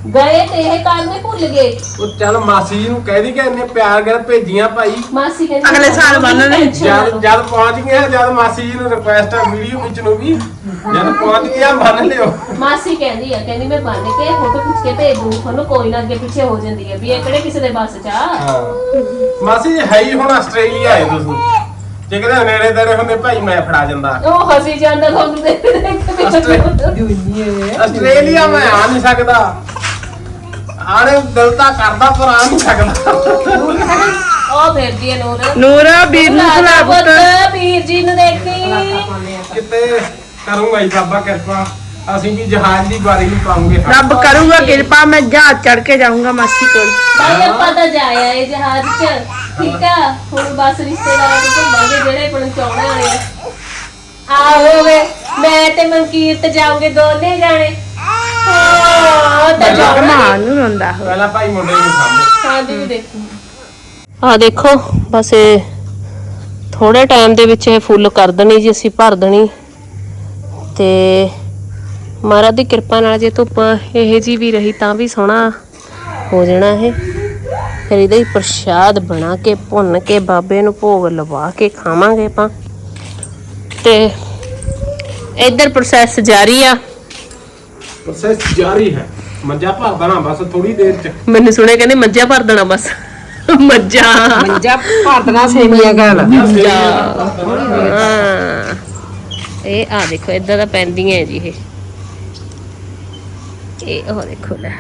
ਗਏ ਤੇ ਇਹ ਕਰਨੇ ਭੁੱਲ ਗਏ।
ਉਹ ਚੱਲ ਮਾਸੀ ਜੀ ਨੂੰ ਕਹਿ ਦੀ ਕਿ ਇੰਨੇ ਪਿਆਰ ਨਾਲ ਭੇਜੀਆਂ ਭਾਈ।
ਮਾਸੀ ਕਹਿੰਦੀ
ਅਗਲੇ ਸਾਲ ਬੰਨ੍ਹਣੇ।
ਜਦ ਜਦ ਪਹੁੰਚ ਗਿਆ ਜਦ ਮਾਸੀ ਜੀ ਨੂੰ ਰਿਕੁਐਸਟ ਆ ਵੀਡੀਓ ਵਿੱਚ ਨੂੰ ਵੀ ਜਦ ਪਹੁੰਚ ਗਿਆ ਬੰਨ ਲਿਓ।
ਮਾਸੀ ਕਹਿੰਦੀ ਆ ਕਹਿੰਦੀ ਮੈਂ ਬੰਨ ਕੇ ਫੋਟੋ ਖਿੱਚ ਕੇ ਭੇਜ ਦੂੰ ਤੁਹਾਨੂੰ, ਕੋਈ ਨਾ ਅੱਗੇ ਪਿੱਛੇ ਹੋ ਜਾਂਦੀ ਹੈ ਵੀ ਇਹ ਕਿਹੜੇ ਕਿਸੇ ਦੇ ਬੱਸ ਚ ਆ।
ਹਾਂ ਮਾਸੀ ਜੀ ਹੈ ਹੀ ਹੁਣ ਆਸਟ੍ਰੇਲੀਆ ਆਏ ਤੁਸੀਂ, ਜੇ ਕਿਤੇ ਨੇੜੇ ਤੇੜੇ ਹੁੰਦੇ ਭਾਈ ਮੈਂ ਫੜਾ ਜਾਂਦਾ।
ਉਹ ਹਸੀ ਜਾਂਦਾ ਤੁਹਾਨੂੰ ਦੇਖ
ਆਸਟ੍ਰੇ- ਆਸਟ੍ਰੇਲੀਆ ਮੈਂ ਆ ਨਹੀਂ ਸਕਦਾ, ਆਣੇ ਦਿਲ ਤਾਂ ਕਰਦਾ ਪਰ ਆ ਨਹੀਂ ਸਕਦਾ।
ਉਹ ਫਿਰਦੀ ਹੈ ਨੂਰ।
ਨੂਰ ਵੀਰ ਨੂੰ ਖਿਲਾ ਪੁੱਤ।
ਵੀਰ ਜੀ ਨੂੰ ਦੇਖੀ
ਕਿਤੇ ਕਰੂੰਗਾ ਜੀ ਬਾਬਾ ਕਿਰਪਾ, ਅਸੀਂ ਵੀ ਜਹਾਜ਼ ਦੀ ਵਾਰੀ ਨਹੀਂ ਪਾਉਂਗੇ।
ਰੱਬ ਕਰੂਗਾ ਕਿਰਪਾ, ਮੈਂ ਜਹਾਜ਼ ਚੜ ਕੇ ਜਾਊਂਗਾ ਮਾਸੀ ਕੋਲ।
ਭਾਈ ਆਪਾਂ ਤਾਂ ਜਾਇਆ ਇਹ ਜਹਾਜ਼ 'ਚ, ਠੀਕ ਆ। ਹੁਣ ਬਸ ਰਿਸ਼ਤੇਦਾਰਾਂ ਨੂੰ ਘੁੰਮਾਂਗੇ ਜਿਹੜੇ ਆਪਣ ਚਾਹੁੰਦੇ ਵਾਲੇ ਆ। ਆਹੋ ਵੇ ਮੈਂ ਤੇ ਮਨਕੀਰਤ ਜਾਉਂਗੇ ਦੋਨੇ ਜਾਣੇ। ਹਾਂ ਤਾਂ ਜਾਣਾ।
ਮਾਂ ਨੂੰ ਰੋਂਦਾ ਹੋ।
ਪਹਿਲਾਂ ਭਾਈ ਮੁੰਡੇ ਨੂੰ ਸਾਹਮਣੇ
ਹਾਂ ਜੀ ਦੇਖੋ ਆ ਦੇਖੋ ਬਸ ਇਹ ਥੋੜੇ ਟਾਈਮ ਦੇ ਵਿੱਚ ਇਹ ਫੁੱਲ ਕਰ ਦੇਣੀ ਜੀ, ਅਸੀਂ ਭਰ ਦੇਣੀ ਤੇ ਮਹਾਰਾਜ ਦੀ ਕਿਰਪਾ ਨਾਲ ਜੇ ਧੁੱਪ ਇਹ ਜੀ ਵੀ ਰਹੀ ਤਾਂ ਵੀ ਸੋਹਣਾ ਹੋ ਜਾਣਾ ਇਹ। ਫਿਰ ਇਹਦਾ ਹੀ ਪ੍ਰਸ਼ਾਦ ਬਣਾ ਕੇ ਭੁੰਨ ਕੇ ਬਾਬੇ ਨੂੰ ਭੋਗ ਲਵਾ ਕੇ ਖਾਵਾਂਗੇ ਆਪਾਂ। ਤੇ ਇੱਧਰ ਪ੍ਰੋਸੈਸ ਜਾਰੀ ਆ।
ਪ੍ਰੋਸੈਸ ਜਾਰੀ ਹੈ। ਮੱਝਾਂ ਭਰ ਦੇਣਾ ਬਸ ਥੋੜੀ ਦੇਰ ਚ।
ਮੈਨੂੰ ਸੁਣੇ ਕਹਿੰਦੇ ਮੱਝਾਂ ਭਰ ਦੇਣਾ ਬਸ। ਮੱਝਾਂ
ਮੰਜਾ ਭਾਰਤਨਾ ਸੇਵੀਆਂ ਗੱਲ।
ਹਾਂ ਇਹ ਆ ਦੇਖੋ ਇਦਾਂ ਦਾ ਪੈਂਦੀਆਂ ਜੀ ਇਹ ਇਹ ਉਹ ਦੇਖੋ ਲੈ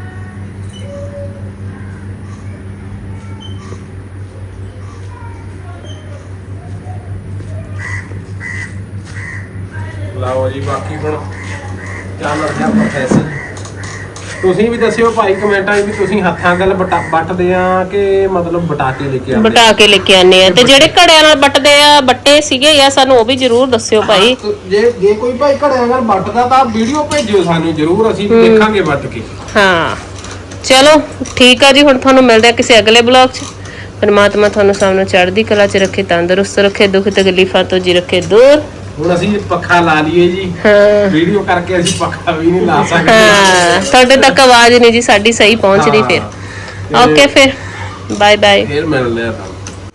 ਲਾਓ ਜੀ ਬਾਕੀ ਹੁਣ ਚੱਲ ਰਿਹਾ ਪ੍ਰੋਸੈਸ। ਤੁਸੀਂ ਵੀ ਦੱਸਿਓ ਭਾਈ ਕਮੈਂਟਾਂ 'ਚ ਵੀ ਤੁਸੀਂ ਹੱਥਾਂ ਨਾਲ ਬਟਾ ਵੱਟਦੇ ਆ ਕਿ ਮਤਲਬ ਬਟਾ ਕੇ ਲੈ ਕੇ ਆਉਂਦੇ
ਬਟਾ ਕੇ ਲੈ ਕੇ ਆਨੇ ਆ। ਤੇ ਜਿਹੜੇ ਘੜਿਆਂ ਨਾਲ ਵੱਟਦੇ ਆ ਬੱਟੇ ਸੀਗੇ ਜਾਂ ਸਾਨੂੰ ਉਹ ਵੀ ਜ਼ਰੂਰ ਦੱਸਿਓ ਭਾਈ।
ਹਾਂ, ਜੇ ਜੇ ਕੋਈ ਭਾਈ ਘੜਿਆਂ ਨਾਲ ਵੱਟਦਾ ਤਾਂ ਵੀਡੀਓ ਭੇਜਿਓ ਸਾਨੂੰ ਜ਼ਰੂਰ, ਅਸੀਂ ਵੀ ਦੇਖਾਂਗੇ ਵੱਟ ਕੇ।
ਹਾਂ ਚਲੋ ਠੀਕ ਆ ਜੀ, ਹੁਣ ਤੁਹਾਨੂੰ ਮਿਲਦੇ ਆ ਕਿਸੇ ਅਗਲੇ ਬਲੌਗ 'ਚ। ਪਰਮਾਤਮਾ ਤੁਹਾਨੂੰ ਸਭ ਨੂੰ ਚੜ੍ਹਦੀ ਕਲਾ 'ਚ ਰੱਖੇ, ਤੰਦਰੁਸਤ ਰੱਖੇ, ਦੁੱਖ ਤਕਲੀਫਾਂ ਤੋਂ ਜੀ ਰੱਖੇ ਦੂਰ।
ਹੁਣ ਅਸੀਂ ਪੱਖਾ ਲਾ ਲਈਏ ਜੀ,
ਹਾਂ
ਵੀਡੀਓ ਕਰਕੇ ਅਸੀਂ ਪੱਖਾ ਵੀ ਨਹੀਂ ਲਾ ਸਕਦੇ।
ਹਾਂ ਤੁਹਾਡੇ ਤੱਕ ਆਵਾਜ਼ ਨਹੀਂ ਜੀ ਸਾਡੀ ਸਹੀ ਪਹੁੰਚਦੀ। ਫਿਰ ਓਕੇ ਫਿਰ ਬਾਏ ਬਾਏ।
ਫਿਰ ਮਿਲਦੇ ਆ।